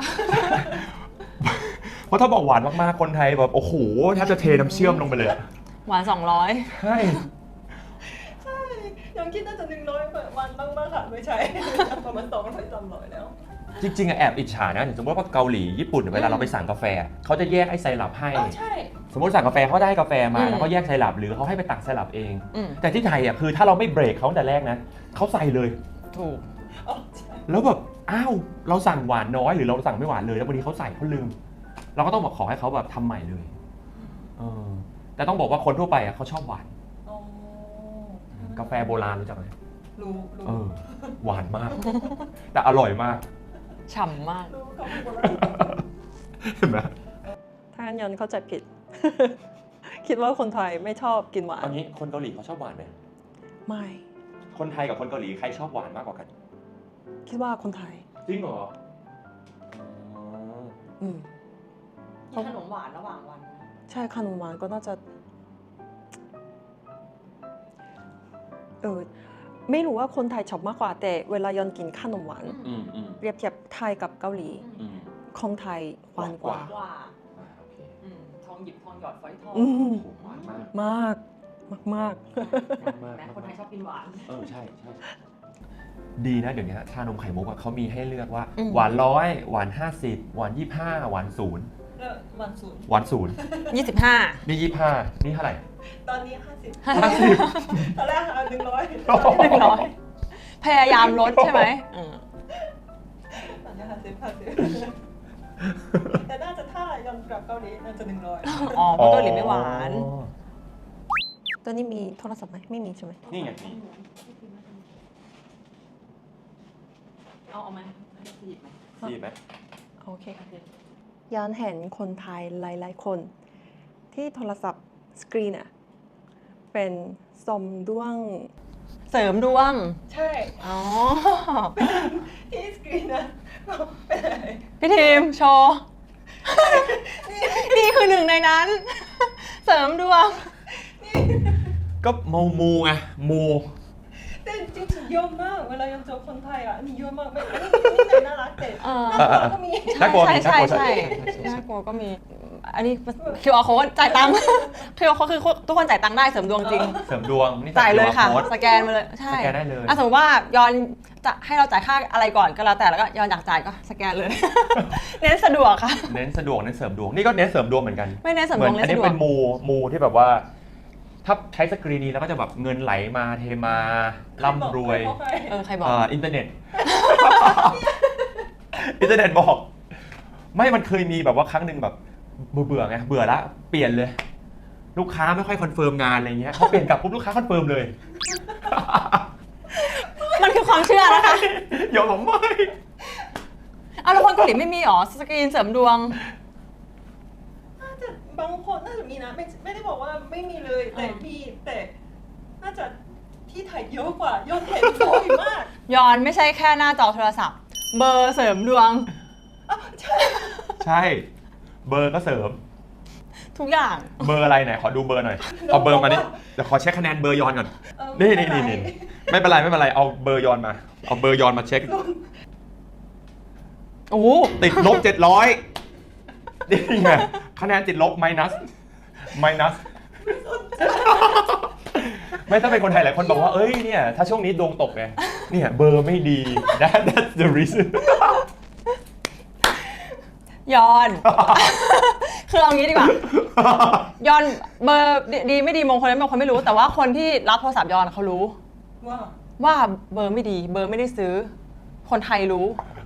[SPEAKER 2] เพราะถ้าบอกหวานมากๆคนไทยแบบโอ้โหแทบจะเทน้ำเชื่อมลงไปเลยอะ
[SPEAKER 3] ๆ หวานสองร้อย
[SPEAKER 2] ใช่
[SPEAKER 1] ใช่ยังคิดน่าจะหนึ่งร้อยวันบ้างบ้างค่ะไม่ใช่ ประมาณสองร้อยสามร้อยแล้ว
[SPEAKER 2] จริงๆอะแอบอิจฉานะอย่างสมมติว่าเกาหลีญี่ปุ่นเวลาเราไปสั่งกาแฟเขาจะแยกไอ้ไซรัปให้
[SPEAKER 1] เออใช่
[SPEAKER 2] สมมติสั่งกาแฟเขาได้กาแฟมา
[SPEAKER 3] อืม
[SPEAKER 2] แล้วก็แยกไซรัปหรือเขาให้ไปตักไซรัปเอง
[SPEAKER 3] อืม
[SPEAKER 2] แต่ที่ไทยอ่ะคือถ้าเราไม่เบรกเขาตั้งแต่แรกนะเขาใส่เลย
[SPEAKER 3] ถูก
[SPEAKER 1] อ๋อใช่
[SPEAKER 2] แล้วแบบอ้าวเราสั่งหวานน้อยหรือเราสั่งไม่หวานเลยแล้ววันนี้เขาใส่เขาลืม เราก็ต้องบอกขอให้เขาแบบทำใหม่เลยเออแต่ต้องบอกว่าคนทั่วไปอ่ะเขาชอบหวาน
[SPEAKER 1] อ๋อก
[SPEAKER 2] าแฟโบราณรู้จักไหม
[SPEAKER 1] รู้รู้
[SPEAKER 2] เออหวานมาก แต่อร่อยมาก
[SPEAKER 3] ฉ่ำมาก
[SPEAKER 1] รู้เขาพูดว่า
[SPEAKER 2] เห็นไหม
[SPEAKER 1] ถ้างั้นยอนเข้าใจผิด คิดว่าคนไทยไม่ชอบกินหวา
[SPEAKER 2] ตอน นนี้คนเกาหลีเขาชอบหวานไหม
[SPEAKER 1] ไม่
[SPEAKER 2] คนไทยกับคนเกาหลีใครชอบหวานมากกว่ากัน
[SPEAKER 1] คิดว่าคนไทย
[SPEAKER 2] จริงเหรอ
[SPEAKER 1] อืม
[SPEAKER 3] มีขนมหวานระหว่างวัน
[SPEAKER 1] ใช่ขนมหวานก็น่าจะ เออ ไม่รู้ว่าคนไทยชอบมากกว่าแต่เวลายอนกินขนมหวาน
[SPEAKER 2] อืมอืม
[SPEAKER 1] เปรียบเทียบไทยกับเกาหลี
[SPEAKER 2] อืม
[SPEAKER 1] ของไทยหวานกว่า
[SPEAKER 2] หวาน
[SPEAKER 3] ว่า
[SPEAKER 2] อ่าโอเค
[SPEAKER 3] อืมทองหยิบทองหยอดฝอยทอง
[SPEAKER 1] อืม
[SPEAKER 2] โอ้โหหวานมาก
[SPEAKER 1] มาก มากมาก
[SPEAKER 2] มาก
[SPEAKER 3] แม้คนไทยชอบกินหวาน
[SPEAKER 2] เออใช่ใช่ดีนะเดี๋ยวนี้ชานมไข่มุกอะเขามีให้เลือกว่า
[SPEAKER 3] อืม
[SPEAKER 2] หวานร้อยหวานห้าสิบหวานยี่ห้าหวานศูนย์
[SPEAKER 1] วันศูนย์
[SPEAKER 2] หวานศูนย์
[SPEAKER 3] ยี่สิบห้า
[SPEAKER 2] นี่ยี่ห้านี่เท่าไหร่
[SPEAKER 1] ตอนนี้ห้าสิบ
[SPEAKER 2] ห้าสิบ
[SPEAKER 1] ตอนแรกหนึ่งร้อย
[SPEAKER 3] หนึ่งร้อยพยายามลดใช่ไหมอืม
[SPEAKER 1] ตอนนี้ห้าสิบห้าสิบแต่น่าจะถ้ายอนกลับเกาหลีน่าจะหนึ่งร้อย
[SPEAKER 3] อ๋อเพราะเกาหลีไม่หวาน
[SPEAKER 2] อ๋อ
[SPEAKER 1] ตอนนี้มีโทรศัพท์ไหมไม่มีใช่ไหม
[SPEAKER 2] นี่ไงนี่
[SPEAKER 3] เอาเอาไหมหยิบไหม
[SPEAKER 2] ดีไหม
[SPEAKER 1] โอเคค่ะยอนเห็นคนไทยหลายๆคน ที่โทรศัพท์สกรีนอะเป็นสมด้วง
[SPEAKER 3] เสริมดวง
[SPEAKER 1] ใช่
[SPEAKER 3] อ๋อ
[SPEAKER 1] ที่สกรีนอะเป็นอะไร
[SPEAKER 3] พี่ทีมโชว์ นี่คือหนึ่งในนั้น เสริมดวง
[SPEAKER 2] ก็มูมูไงมู
[SPEAKER 1] แต่จริงๆเยอะมากเวลายังเจอคนไทยอ่ะนี่เยอะมากไม่ไม่ไม่ได้น่ารักแต่
[SPEAKER 3] เออ
[SPEAKER 1] น่ากลัวก็มี
[SPEAKER 2] น่ากลัว
[SPEAKER 3] ใช่
[SPEAKER 2] มี
[SPEAKER 3] ใช่
[SPEAKER 2] น่ากลัว
[SPEAKER 3] ใช่น่ากลัวก็มี อันนี้ คิว อาร์ code จ่ายตังค์ คิว อาร์ code คือทุกคนจ่ายตังค์ได้เสริมดวงจริง
[SPEAKER 2] เสริมดวงนี่
[SPEAKER 3] จ่ายเลยค่ะ
[SPEAKER 2] โค้ด
[SPEAKER 3] สแกนมาเลยใช่
[SPEAKER 2] สแกนได้เลย
[SPEAKER 3] อ่ะสมมติว่ายอนจะให้เราจ่ายค่าอะไรก่อนก็แล้วแต่แล้วก็ยอนอยากจ่ายก็สแกนเลย เน้นสะดวกค่ะ
[SPEAKER 2] เน้นสะดวกเน้นเสริมดวงนี่ก็เน้นเสริมดวงเหมือนกัน
[SPEAKER 3] ไม่เน้นเสริม
[SPEAKER 2] เหมื
[SPEAKER 3] ด
[SPEAKER 2] อ
[SPEAKER 3] วน ง
[SPEAKER 2] อัน
[SPEAKER 3] เน้น
[SPEAKER 2] นี้
[SPEAKER 3] สะดว
[SPEAKER 2] เป็
[SPEAKER 3] ก
[SPEAKER 2] นมูมูที่แบบว่า ถ้าใช้สกรีนนี้แล้วก็จะแบบเงินไหลมาเทมาร่ำรวย
[SPEAKER 3] เออใครบอก
[SPEAKER 2] อ่าอินเทอร์เน็ต อินเทอร์เน็ตบอก ไม่มันเคยมีแบบว่าครั้งหนึ่งแบบเบื่อๆไงเบื่อละเปลี่ยนเลย ลูกค้าไม่ค่อยคอนเฟิร์มงานอะไรเงี้ยเขาเปลี่ยนกลับปุ๊บลูกค้าคอนเฟิร์มเลย
[SPEAKER 3] มันคือความเชื่อนะคะ
[SPEAKER 2] อย่าบอกไม่
[SPEAKER 3] อ้าวแล้วคนเกาหลีไม่มีหรอสกรีนเสริมดวง
[SPEAKER 1] น่าจะบางคนน่าจะมีนะไม่ไม่ได้บอกว่าไม่มีเลยแต่มีแต่น่าจะที่ไทยเยอะกว่ายอดเห็นบ่อยมาก
[SPEAKER 3] ยอนไม่ใช่แค่หน้าจอโทรศัพท์ เบอร์เสริมดวง
[SPEAKER 1] อ้าวใช่
[SPEAKER 2] ใช่ เบอร์ก็เสริม
[SPEAKER 3] ทุกอย่าง
[SPEAKER 2] เบอร์อะไรไหนขอดูเบอร์หน่อย เอาเบอร์มานี่เดี๋ยวขอเช็คคะแนนเบอร์ยอนก่อน
[SPEAKER 1] เออ
[SPEAKER 2] นี่
[SPEAKER 1] ไม่
[SPEAKER 2] นี่
[SPEAKER 1] เป็
[SPEAKER 2] นี่
[SPEAKER 1] ไร
[SPEAKER 2] นี่ไม่เป็นไรไม่เป็นไรเอาเบอร์ยอนมา เอาเบอร์ยอนมาเช็ค
[SPEAKER 3] โอ้โห
[SPEAKER 2] ติดลบเจ็ดร้อยนี่ไงคะแนนติดลบ minus minus ไม่ถ้าเป็นคนไทยหลายคนบอกว่าเอ้ยเนี่ยถ้าช่วงนี้ดวงตกไงเนี่ยเบอร์ไม่ดี that that's the reason
[SPEAKER 3] ยอน คือเอางี้ดีกว่า ยอนเบอร์ดีดีไม่ดีมงคลไม่มงคลไม่รู้ แต่ว่าคนที่รับโทรศัพท์ยอนเขารู้
[SPEAKER 1] ว่า
[SPEAKER 3] ว่าเบอร์ไม่ดี เบอร์ไม่ได้ซื้อ คนไทยรู้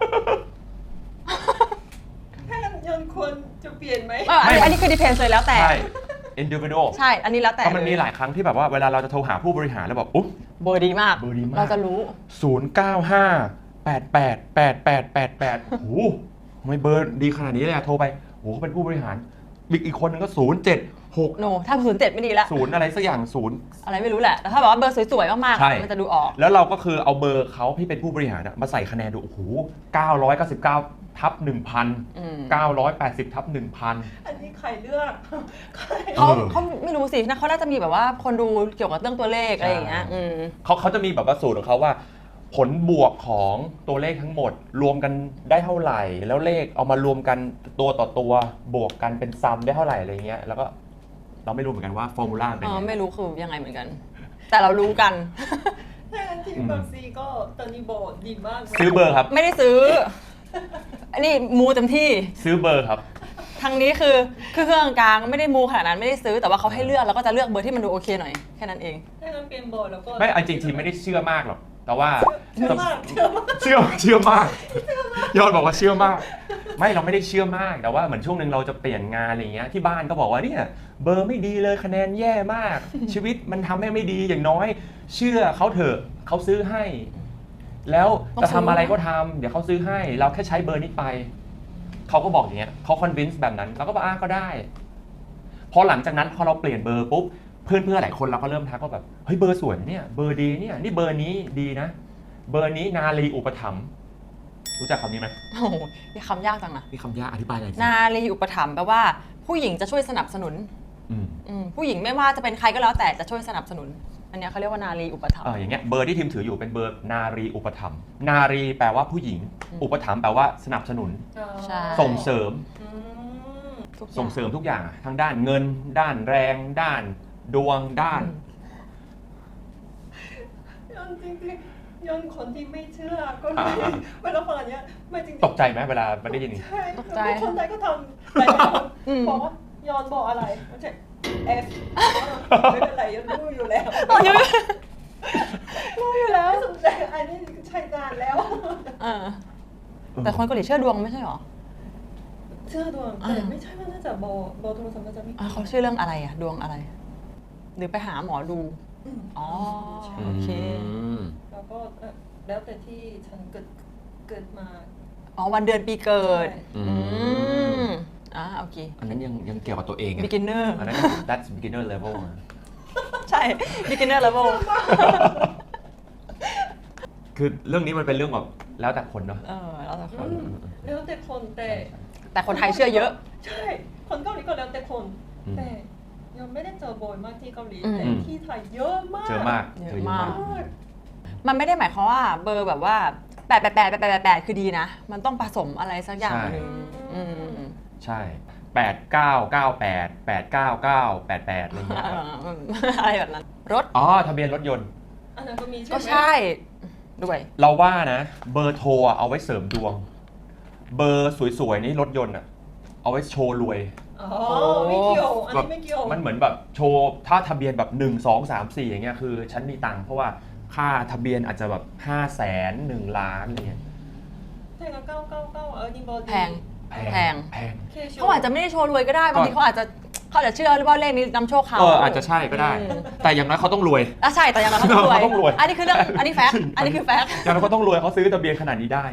[SPEAKER 1] ถ้างั้นยนควรจะเปลี่ยนไหม
[SPEAKER 3] เอออันนี้อันนี้คือดีเพนเลยแล้วแต่
[SPEAKER 2] ใช่ individual
[SPEAKER 3] ใช่ อันนี้แล้วแต่
[SPEAKER 2] เพราะมันมีหลายครั้งที่แบบว่าเวลาเราจะโทรหาผู้บริหารแล้วแบบอุ๊บ
[SPEAKER 3] เบอร์ดีมาก
[SPEAKER 2] เบอร์ดีมาก
[SPEAKER 3] เราจะรู้
[SPEAKER 2] ศูนย์เก้าห้าแปดแปดแปดแปดแปดแปดโอ้โหทำไมเบอร์ดีขนาดนี้เลยอะโทรไปโอ้โหเขาเป็นผู้บริหารอีกอีกคนนึงก็ศูนย์เจ็ดหก
[SPEAKER 3] โน ถ้าศูนย์เจ็ดไม่ดีแล้ว
[SPEAKER 2] ศูนย์อะไรสักอย่างศูนย์
[SPEAKER 3] อะไรไม่รู้แหละ แต่ถ้าแบบว่าเบอร์สวยๆ มาก
[SPEAKER 2] ใช่
[SPEAKER 3] ๆ มันจะดูออก
[SPEAKER 2] แล้วเราก็คือเอาเบอร์เขาที่เป็นผู้บริหารอะมาใส่คะแนนดู โอ้โหเก้าร้อยเก้าสิบเก้าทับหนึ่งพัน
[SPEAKER 3] อืม
[SPEAKER 2] เก้าร้อยแปดสิบทับหนึ่งพัน
[SPEAKER 1] อันนี้ใครเลือกใคร
[SPEAKER 3] เขา
[SPEAKER 2] เออ
[SPEAKER 3] เขาไม่รู้สินะเขาน่าจะมีแบบว่าคนดูเกี่ยวกับเรื่องตัวเลขอะไรอย่างเงี้ย
[SPEAKER 2] ใช่
[SPEAKER 3] อืม
[SPEAKER 2] เขาเขาจะมีแบบว่าสูตรของเขาว่า ผลบวกของตัวเลขทั้งหมด รวมกันได้เท่าไหร่ แล้วเลขเอามารวมกันตัวต่อตัวบวกกันเป็นซัมได้เท่าไหร่อะไรเงี้ยแล้วก็เราไม่รู้เหมือนกันว่าฟอร์มูลาเป็น
[SPEAKER 3] อ๋อ
[SPEAKER 2] ยังไง
[SPEAKER 3] ไม่รู้คือยังไงเหมือนกัน แต่เรารู้กัน
[SPEAKER 1] ถ้างั้นที่บางซีก็ตอนนี้โบดดีมากนะ
[SPEAKER 2] ซื้อเบอร์ครับ
[SPEAKER 3] ไม่ได้ซื้อ อันนี้มูเต็มที่
[SPEAKER 2] ซื้อเบอร์ครับ
[SPEAKER 3] ทางนี้คือคือเครื่องกลางไม่ได้มูขนาดนั้นไม่ได้ซื้อแต่ว่าเขาให้เลือกแล้วก็จะเลือกเบอร์ที่มันดูโอเคหน่อยแค่นั้นเอง
[SPEAKER 1] ถ้างั้นเป็นโบดแล้วก็
[SPEAKER 2] ไม่เอาจริงๆทีมไม่ได้เชื่อมากหรอกแต่ว่า
[SPEAKER 1] เชื่อมากเชื่อมาก
[SPEAKER 2] เชื่อเชื่อมาก ยอดบอกว่าเชื่อมาก ไม่เราไม่ได้เชื่อมากแต่ว่าเหมือนช่วงหนึ่งเราจะเปลี่ยนงานอะไรเงี้ยที่บ้านก็บอกว่าเนี่ยเบอร์ไม่ดีเลยคะแนนแย่มาก ชีวิตมันทำให้ไม่ดีอย่างน้อย เชื่อเขาเถอะเขาซื้อให้ แล้วจะทำอะไรก็ทำเดี๋ยวเขาซื้อให้ เราแค่ใช้เบอร์นี้ไปเขาก็บอกอย่างเงี้ยเขาคอนวินส์แบบนั้นเราก็บอกอ่ะก็ได้พอหลังจากนั้นพอเราเปลี่ยนเบอร์ปุ๊บเพื่อนเพื่อนหลายคนเราก็เริ่มทักว่าแบบเฮ้ยเบอร์สวยนะเนี่ยเบอร์ดีเนี่ยนี่เบอร์นี้ดีนะ เบอร์นี้นาลีอุปถัมภ์รู้จักคำนี้ไหม
[SPEAKER 3] โอ้โหนี่คำยากจังนะ
[SPEAKER 2] นี่คำยากอธิบายอะไรสิ
[SPEAKER 3] นารีอุปถัมภ์แปลว่าผู้หญิงจะช่วยสนับสนุน
[SPEAKER 2] อืม
[SPEAKER 3] อืมผู้หญิงไม่ว่าจะเป็นใครก็แล้วแต่จะช่วยสนับสนุน อันเนี้ยเขาเรียกว่านารีอุปถัม
[SPEAKER 2] เอ
[SPEAKER 3] ภ์
[SPEAKER 2] ออย่างเงี้ยเบอร์ที่ทีมถืออยู่เป็นเบอร์นารีอุปถัมภ์นารีแปลว่าผู้หญิง
[SPEAKER 3] อืม
[SPEAKER 2] อุปถัมภ์แปลว่าสนับสนุน
[SPEAKER 3] ใช่
[SPEAKER 2] ส่งเสริม
[SPEAKER 1] อืม
[SPEAKER 3] ทุกอย่าง
[SPEAKER 2] ส่งเสริมทุกอย่างอะทั้งด้านเงิน ด้านแรง ด้านดวงด้าน
[SPEAKER 1] ยนจริงๆยนคนที่ไม่เชื่อก็เล
[SPEAKER 2] อ่าย
[SPEAKER 1] เวลาฟังอันเนี้ยไม่จริงๆ
[SPEAKER 2] ตกใจไหมเวลาไม่ได้ยินอย่างนี้
[SPEAKER 1] ใช่
[SPEAKER 3] ตกใจ
[SPEAKER 1] แล้วคนไทยก็ทำหลายคน
[SPEAKER 3] อืม
[SPEAKER 1] บอกว่ายอนบอกอะไรไม่ใช่เอฟไม่เป็นไรยอนรู้อยู่แล้ว
[SPEAKER 3] อ๋อยังรู้อยู่แล้ว
[SPEAKER 1] ไม่สนใจอันนี้ใช้งานแล้ว
[SPEAKER 3] เออแต่คนเกาหลีเชื่อดวงไม่ใช่หรอ
[SPEAKER 1] เชื่อดวง
[SPEAKER 3] อ่า
[SPEAKER 1] แต่ไม่ใช่ว่าน่าจะโบโบโทรศัพท์น่าจะไม่
[SPEAKER 3] อ่ะเขาเชื่อเรื่องอะไรอะดวงอะไร หรือไปหาหมอดู
[SPEAKER 1] อืม
[SPEAKER 3] อ๋อ
[SPEAKER 1] ใช่
[SPEAKER 3] โอเค
[SPEAKER 2] ม
[SPEAKER 1] แล้วก็เอ่อแล้วแต่ที่ฉันเกิดเกิดมา
[SPEAKER 3] อ๋อวันเดือนปีเกิด
[SPEAKER 2] อื
[SPEAKER 3] อื
[SPEAKER 2] ม
[SPEAKER 3] มอ่าโอเค
[SPEAKER 2] อันนั้นยังยังเกี่ยวกับตัวเองไง
[SPEAKER 3] beginner
[SPEAKER 2] อันนั้น that's beginner level อะ
[SPEAKER 3] ใช่ beginner level
[SPEAKER 2] คือเรื่องนี้มันเป็นเรื่องแบบแล้วแต่คนเนาะ
[SPEAKER 3] เออแล้วแต่ค
[SPEAKER 1] อื
[SPEAKER 3] น
[SPEAKER 1] มแล้วแต่คนแต่
[SPEAKER 3] แต่คนไทยเชื่อเยอะ
[SPEAKER 1] ใช่ คนเกาหลีก็แล้วแต่คน
[SPEAKER 2] อืม
[SPEAKER 1] แต่ยังไม่ได้เจอบ่อยมากที่เกาหลี
[SPEAKER 3] อืม
[SPEAKER 1] แต่ที่ไทยเยอะมาก
[SPEAKER 2] เจอมาก
[SPEAKER 3] เยอะ
[SPEAKER 2] เจอ
[SPEAKER 3] มาก
[SPEAKER 1] มาก
[SPEAKER 3] มันไม่ได้หมายความว่าเบอร์แบบว่าแปดแปดแปดแปดแปดแปดคือดีนะ มันต้องผสมอะไรสักอย่างหนึ่งอืม
[SPEAKER 2] ใช่แปดเก้าเก้าแปดแปดเก้าเก้าแปดแปดอะไรเงี้ย
[SPEAKER 3] อะไรแบบนั้น รถ
[SPEAKER 2] อ๋อทะเบียนรถยนต์
[SPEAKER 1] อันนั้นก็มีใช่ไหม
[SPEAKER 3] ก็ใช่ด้วย
[SPEAKER 2] เราว่านะเบอร์โทรอะเอาไว้เสริมดวง เบอร์สวยๆนี่รถยนต์อะเอาไว้โชว์รวย
[SPEAKER 1] อ๋อไม่เกี่ยวอันนี้ไม่เกี่ยว
[SPEAKER 2] มันเหมือนแบบโชว์ถ้าทะเบียนแบบหนึ่ง สอง สาม สี่อย่างเงี้ยคือฉันมีตังค์เพราะว่าค่าทะเบียนอาจจะแบบห้าแสนหนึ่งล้านอะไรเงี้ย
[SPEAKER 1] แต่ก็เก้าเก้าเก้าเออนี่บอล
[SPEAKER 3] แพง แพง
[SPEAKER 2] แพง
[SPEAKER 3] เขาอาจจะไม่ได้โชว์รวยก็ได้ บางทีเขาอาจจะเขาอาจจะเชื่อหรือว่าเลขนี้นำโชคเขา
[SPEAKER 2] เอออาจจะใช่ก็ได้ แต่อย่างน้อยเขาต้องรวย
[SPEAKER 3] อ่ะใช่แต่อย่างนั้นเขาต้องรวย
[SPEAKER 2] เขาต้องรวย
[SPEAKER 3] อันนี้คือเรื่องอันนี้แฟกต์อันนี้คือแฟกต์
[SPEAKER 2] อย่างน้อยเขาต้องรวยเขาซื้อทะเบียนขนาดนี้ได้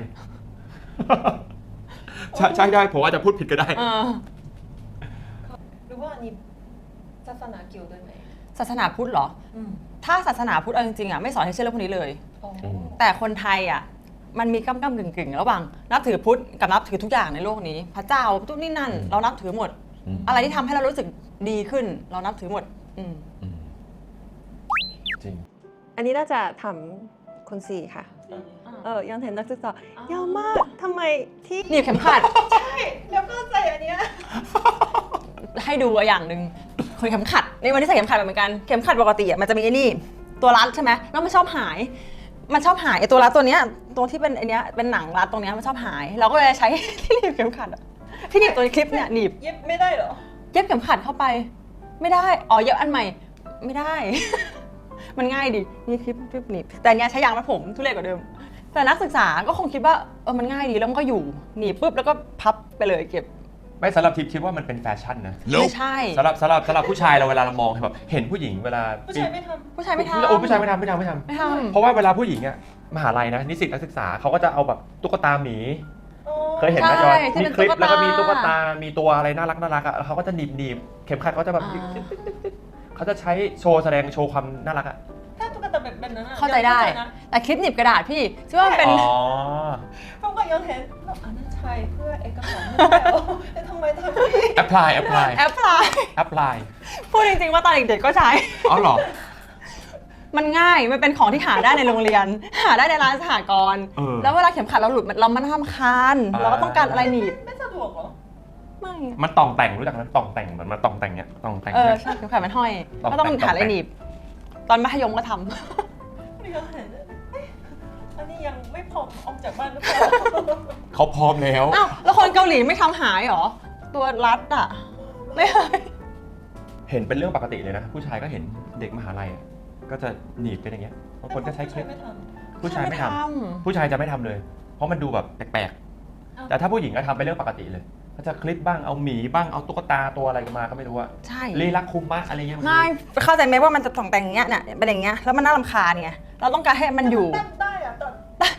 [SPEAKER 2] ใช่ใช่ได้ผมอาจจะพูดผิดก็ได้
[SPEAKER 3] เออ
[SPEAKER 1] หรือว่าอันนี้ศาสนาเกี่ยวด้วยไหม
[SPEAKER 3] ศาสนาพุทธเหรอ
[SPEAKER 1] อืม
[SPEAKER 3] ถ้าศาสนาพุทธเอาจริงๆอ่ะไม่สอนให้เชื่อเรื่องพวกนี้เลย
[SPEAKER 1] อ๋อ
[SPEAKER 3] แต่คนไทยอ่ะมันมีก้ำก้ำกึ่งกึ่งๆระหว่างนับถือพุทธกับนับถือทุกอย่างในโลกนี้ พระเจ้าทุกนี่นั่น เรานับถือหมด
[SPEAKER 2] อืม
[SPEAKER 3] อะไรที่ทำให้เรารู้สึกดีขึ้น เรานับถือหมด อืม
[SPEAKER 2] อืมจริง
[SPEAKER 1] อันนี้น่าจะทำคนสี่ค่ะ เออยังเห็นนักศึกษายาวมากทำไมที่
[SPEAKER 3] หนีบเข็มขัด
[SPEAKER 1] ใช่แล้วก็ใส่อันเนี้ย
[SPEAKER 3] ให้ดูอย่างหนึ่งคนเข็มขัดในวันที่ใส่เข็มขัดเหมือนกันเข็มขัดปกติอ่ะมันจะมีไอ้นี่ตัวรัดใช่ไหมแล้วมันชอบหาย มันชอบหายไอ้ตัวรัดตัวเนี้ยตัวที่เป็นไอ้เนี้ยเป็นหนังรัดตรงเนี้ยมันชอบหาย เราก็เลยใช้ ที่หนีบเข็มขัดอะที่หนีบตัวคลิปเนี่ยหนีบ
[SPEAKER 1] เย็บไม่ได้เหรอ
[SPEAKER 3] เย็บเข็มขัดเข้าไป ไม่ได้อ๋อเย็บอันใหม่ไม่ได้ มันง่ายดินี่คลิปคลิปหนีบแต่อันเนี้ยใช้ยางรัดผมทุเรศกว่าเดิม แต่นักศึกษาก็คงคิดว่าเออมันง่ายดีแล้วมันก็อยู่หนีบปุ๊บแล้วก็พับไปเลยเก็บ
[SPEAKER 2] ไม่สำหรับทิพย์คิดว่ามันเป็นแฟชั่นนะ
[SPEAKER 3] ไม่ใช่
[SPEAKER 2] สำหรับสำหรับสำหรับผู้ชายเราเวลาเรามองแบบเห็นผู้หญิงเวลา
[SPEAKER 1] ผู้ชายไม่ท
[SPEAKER 3] ผู้ชายไม่ทำ
[SPEAKER 2] โอ้ผู้ชายไม่ทำไม่ทำไม่ทำ
[SPEAKER 3] ไม่ทำ
[SPEAKER 2] เพราะว่าเวลาผู้หญิงอะมหาลัยนะนิสิตนักศึกษาเขาก็จะเอาแบบตุ๊กตาหมี
[SPEAKER 1] ำอ๋อ
[SPEAKER 2] เคยเห็นไหม
[SPEAKER 3] ใช่
[SPEAKER 2] จอย
[SPEAKER 3] ที่
[SPEAKER 2] มี
[SPEAKER 3] เป็น
[SPEAKER 2] คลิป
[SPEAKER 3] ตุ๊กตา
[SPEAKER 2] แล้วก็มีตุ๊กตา มีตัวอะไรน่ารักน่ารักอะแล้วเขาก็จะหนีบหนีบเข็มขัดเขาจะแบบ
[SPEAKER 3] อ่า
[SPEAKER 2] เขาจะใช้โชว์แสดงโชว์ความน่ารักอะ
[SPEAKER 1] ถ้าตุ๊กตาแบบนั้นอะ
[SPEAKER 3] เข้าใจได้
[SPEAKER 1] นะ
[SPEAKER 3] แต่คลิปหนีบกระดาษพี่ซึ่งว่ามันเป็น
[SPEAKER 2] อ๋อ
[SPEAKER 1] เพราะว่าย้อนเห็นแล้วอันนั้นใช้เพื่อเอกสารไม่ได้เหรอแต่ทำไมทำนี่
[SPEAKER 2] apply apply
[SPEAKER 3] แอปพลาย
[SPEAKER 2] apply
[SPEAKER 3] พูดจริงๆว่าตอนเด็กๆก็ใช้
[SPEAKER 2] อ๋อเหรอ
[SPEAKER 3] มันง่าย มันเป็นของที่หาได้ในโรงเรียน หาได้ในร้านสหกรณ์
[SPEAKER 2] เออ
[SPEAKER 3] แล้วเวลาเข็มขัดเราหลุดเรามันทำคาน
[SPEAKER 2] อ่า
[SPEAKER 3] เราก็ต้องการอะไรหนีบ
[SPEAKER 1] ไม่สะดวกเหรอ
[SPEAKER 3] ไม่
[SPEAKER 2] มันต่องแต่งรู้จักไหมต่องแต่งเหมือนมันต่องแต่งเนี้ยต่องแต่ง
[SPEAKER 3] เออ
[SPEAKER 2] เนี่ย
[SPEAKER 3] ใช่เข็มขัดมันห้อย
[SPEAKER 2] ต้อง
[SPEAKER 3] ก็ต้อง
[SPEAKER 2] แต่ง
[SPEAKER 3] หาอะไรหนีบ ตอนมัธยมก็ทำ
[SPEAKER 1] ไม่ย้อนเห็นเอ๊ะอันนี้ยังไม่พร้อมออกจากบ้านหรือเปล่า
[SPEAKER 2] เขาพร้อมแล้ว
[SPEAKER 3] อ้าวแล้วคนเกาหลีไม่ทำหายเหรอ ตัวรัดอ่ะ ไม่หาย
[SPEAKER 2] เห็นเป็นเรื่องปกติเลยนะ ผู้ชายก็เห็นเด็กมหาลัยอะก็จะหนีบเป็นอย่างเงี้ยบางคนก็ใช้คลิป
[SPEAKER 1] ไม่ท
[SPEAKER 2] ผู้ชายไม่ทำ
[SPEAKER 3] ท
[SPEAKER 2] ผู้ชายจะไม่ทำเลย เพราะมันดูแบบแปลก
[SPEAKER 1] อ้าว
[SPEAKER 2] ๆ แต่ถ้าผู้หญิงก็ทำเป็นเรื่องปกติเลยก็จะคลิปบ้าง เอาหมีบ้าง เอาตุ๊กตาตัวอะไรมาก็ไม่รู้อะ
[SPEAKER 3] ใช่
[SPEAKER 2] ลีลักคุมมะอะไรเงี้ย
[SPEAKER 3] ง่ายเข้าใจไหมว่ามันจะต้องแต่งอย่างเงี้ยเนี่ยเป็นอย่างเงี้ยแล้วมันน่ารำคาญไงเราต้องการให้มันอยู่
[SPEAKER 1] ตัดได้อะตัด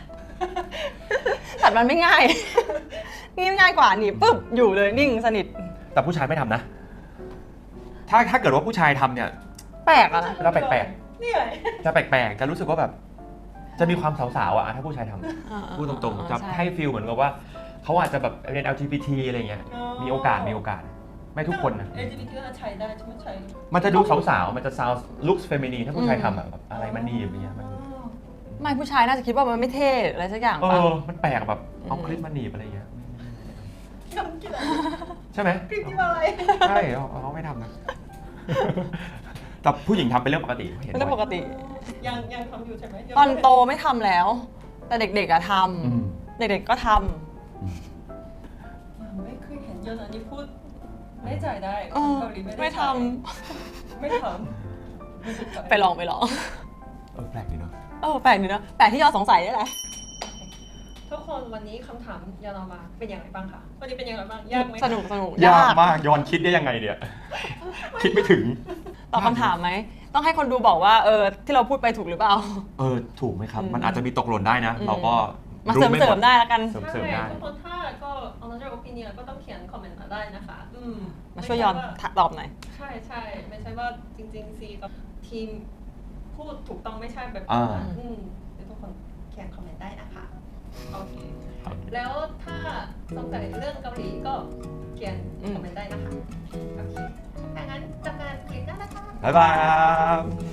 [SPEAKER 3] ตัดมันไม่ง่าย นี่ง่ายกว่าหนีบปุ๊บอยู่เลยนิ่งสนิท
[SPEAKER 2] แต่ผู้ชายไม่ทำนะ ถ้าถ้าเกิดว่าผู้ชายทำเนี่ย
[SPEAKER 3] แปลกอะนะ
[SPEAKER 2] แล้วแปลก
[SPEAKER 1] นี่ไง
[SPEAKER 2] จะแปลกๆ จะรู้สึกว่าแบบ จะมีความสาวๆอะถ้าผู้ชายทำพูดตรงๆ จะให้ฟีลเหมือนกับว่าเขาอาจจะแบบเรียน แอล จี บี ที อะไรเงี้ย มีโอกาสมีโอกาส ไม่ทุกคนนะ
[SPEAKER 1] เอล จี บี ที ก็ใช้ได้ใช่ไหมใช้
[SPEAKER 2] มันจะดูสาวๆ มันจะ sound looks feminine ถ้าผู้ชายทำอะแบบอะไรมันนีบอย่างเงี้ยมัน
[SPEAKER 3] ไม่ผู้ชายน่าจะคิดว่ามันไม่เท่อะไรสักอย่าง
[SPEAKER 2] เอ
[SPEAKER 3] ป่ะ
[SPEAKER 2] อ มันแปลกแบบเอา
[SPEAKER 3] อืม
[SPEAKER 2] คลิปมาหนีบอะไรเงี้ย
[SPEAKER 1] ทำกี่อะไร
[SPEAKER 2] ใช่ไหม
[SPEAKER 1] คลิปที่อะไร
[SPEAKER 2] ใช่เขาเขาไม่ทำนะ แต่ผู้หญิงทำเป็นเรื่องปกติเห็น
[SPEAKER 3] เป็นเรื่องป
[SPEAKER 2] บ่อย
[SPEAKER 3] กติ
[SPEAKER 1] ยังยังทำอยู่ใช่ไหม
[SPEAKER 3] ตอนโตไม่ทำแล้ว แต่เด็กๆอะท
[SPEAKER 2] อืม
[SPEAKER 3] ำเด็กๆก็ท
[SPEAKER 1] ไม่เคยเห็นเยอะนะนี่พูดไม่จ่ายได้
[SPEAKER 3] ำ
[SPEAKER 1] ค
[SPEAKER 3] เอน อ
[SPEAKER 1] เกาหลีไม่ได้
[SPEAKER 3] ไม่ท
[SPEAKER 1] จ่ายไม่ทำ
[SPEAKER 3] ำไปลองไปลอง
[SPEAKER 2] เออแปลกดีเนาะ
[SPEAKER 3] เออแปลกดีเนอะแปลกที่ยอดสงสัยนี่แหละ
[SPEAKER 1] ทุกคนวันนี้คำถามยานอมาเป็นอย่างไรบ้างคะวันนี้เป็นอย่างไรบ้างยากไหมคะ
[SPEAKER 3] สนุกสนุก
[SPEAKER 2] ยากมากย้อนคิดได้ยังไงเนี่ย คิดไม่ถึง
[SPEAKER 3] ตอบคำถามไหมต้องให้คนดูบอกว่าเออที่เราพูดไปถูกหรือเปล่า
[SPEAKER 2] เออ ถูกไหมครับ
[SPEAKER 3] อืม
[SPEAKER 2] มันอาจจะมีตกหล่นได้นะ
[SPEAKER 3] อืม
[SPEAKER 2] เราก็
[SPEAKER 3] มาเสริม
[SPEAKER 2] ไม่
[SPEAKER 3] เสริ
[SPEAKER 2] ห
[SPEAKER 3] มได้แล้วกัน
[SPEAKER 2] เสริมเสริมได้
[SPEAKER 1] ใช่ทุกคนถ้าก็ another opinion ก็ต้องเขียนคอมเมนต์มาได้นะคะอืม
[SPEAKER 3] มาช่วยย้อน
[SPEAKER 1] ไม่ใช่ว่า
[SPEAKER 3] ตอบหน่อย
[SPEAKER 1] ใช่ใช่ไม่ใช่ว่าจริงๆซีกับทีมพูดถูกต้องไม่ใช่แบบ
[SPEAKER 2] อ่า
[SPEAKER 1] นั้นอืมเดี๋ยวทุกคนเขียนคอมเมนต์ได้นะคะโอเค
[SPEAKER 2] ครับ
[SPEAKER 1] แล้วถ้าสงสัยเรื่องเกาหลีก็เขียน
[SPEAKER 3] อืม
[SPEAKER 1] คอมเมนต์ได้นะคะโอเคถ้างั้นจากการคลิปหน้านะคะ
[SPEAKER 2] บ๊ายบาย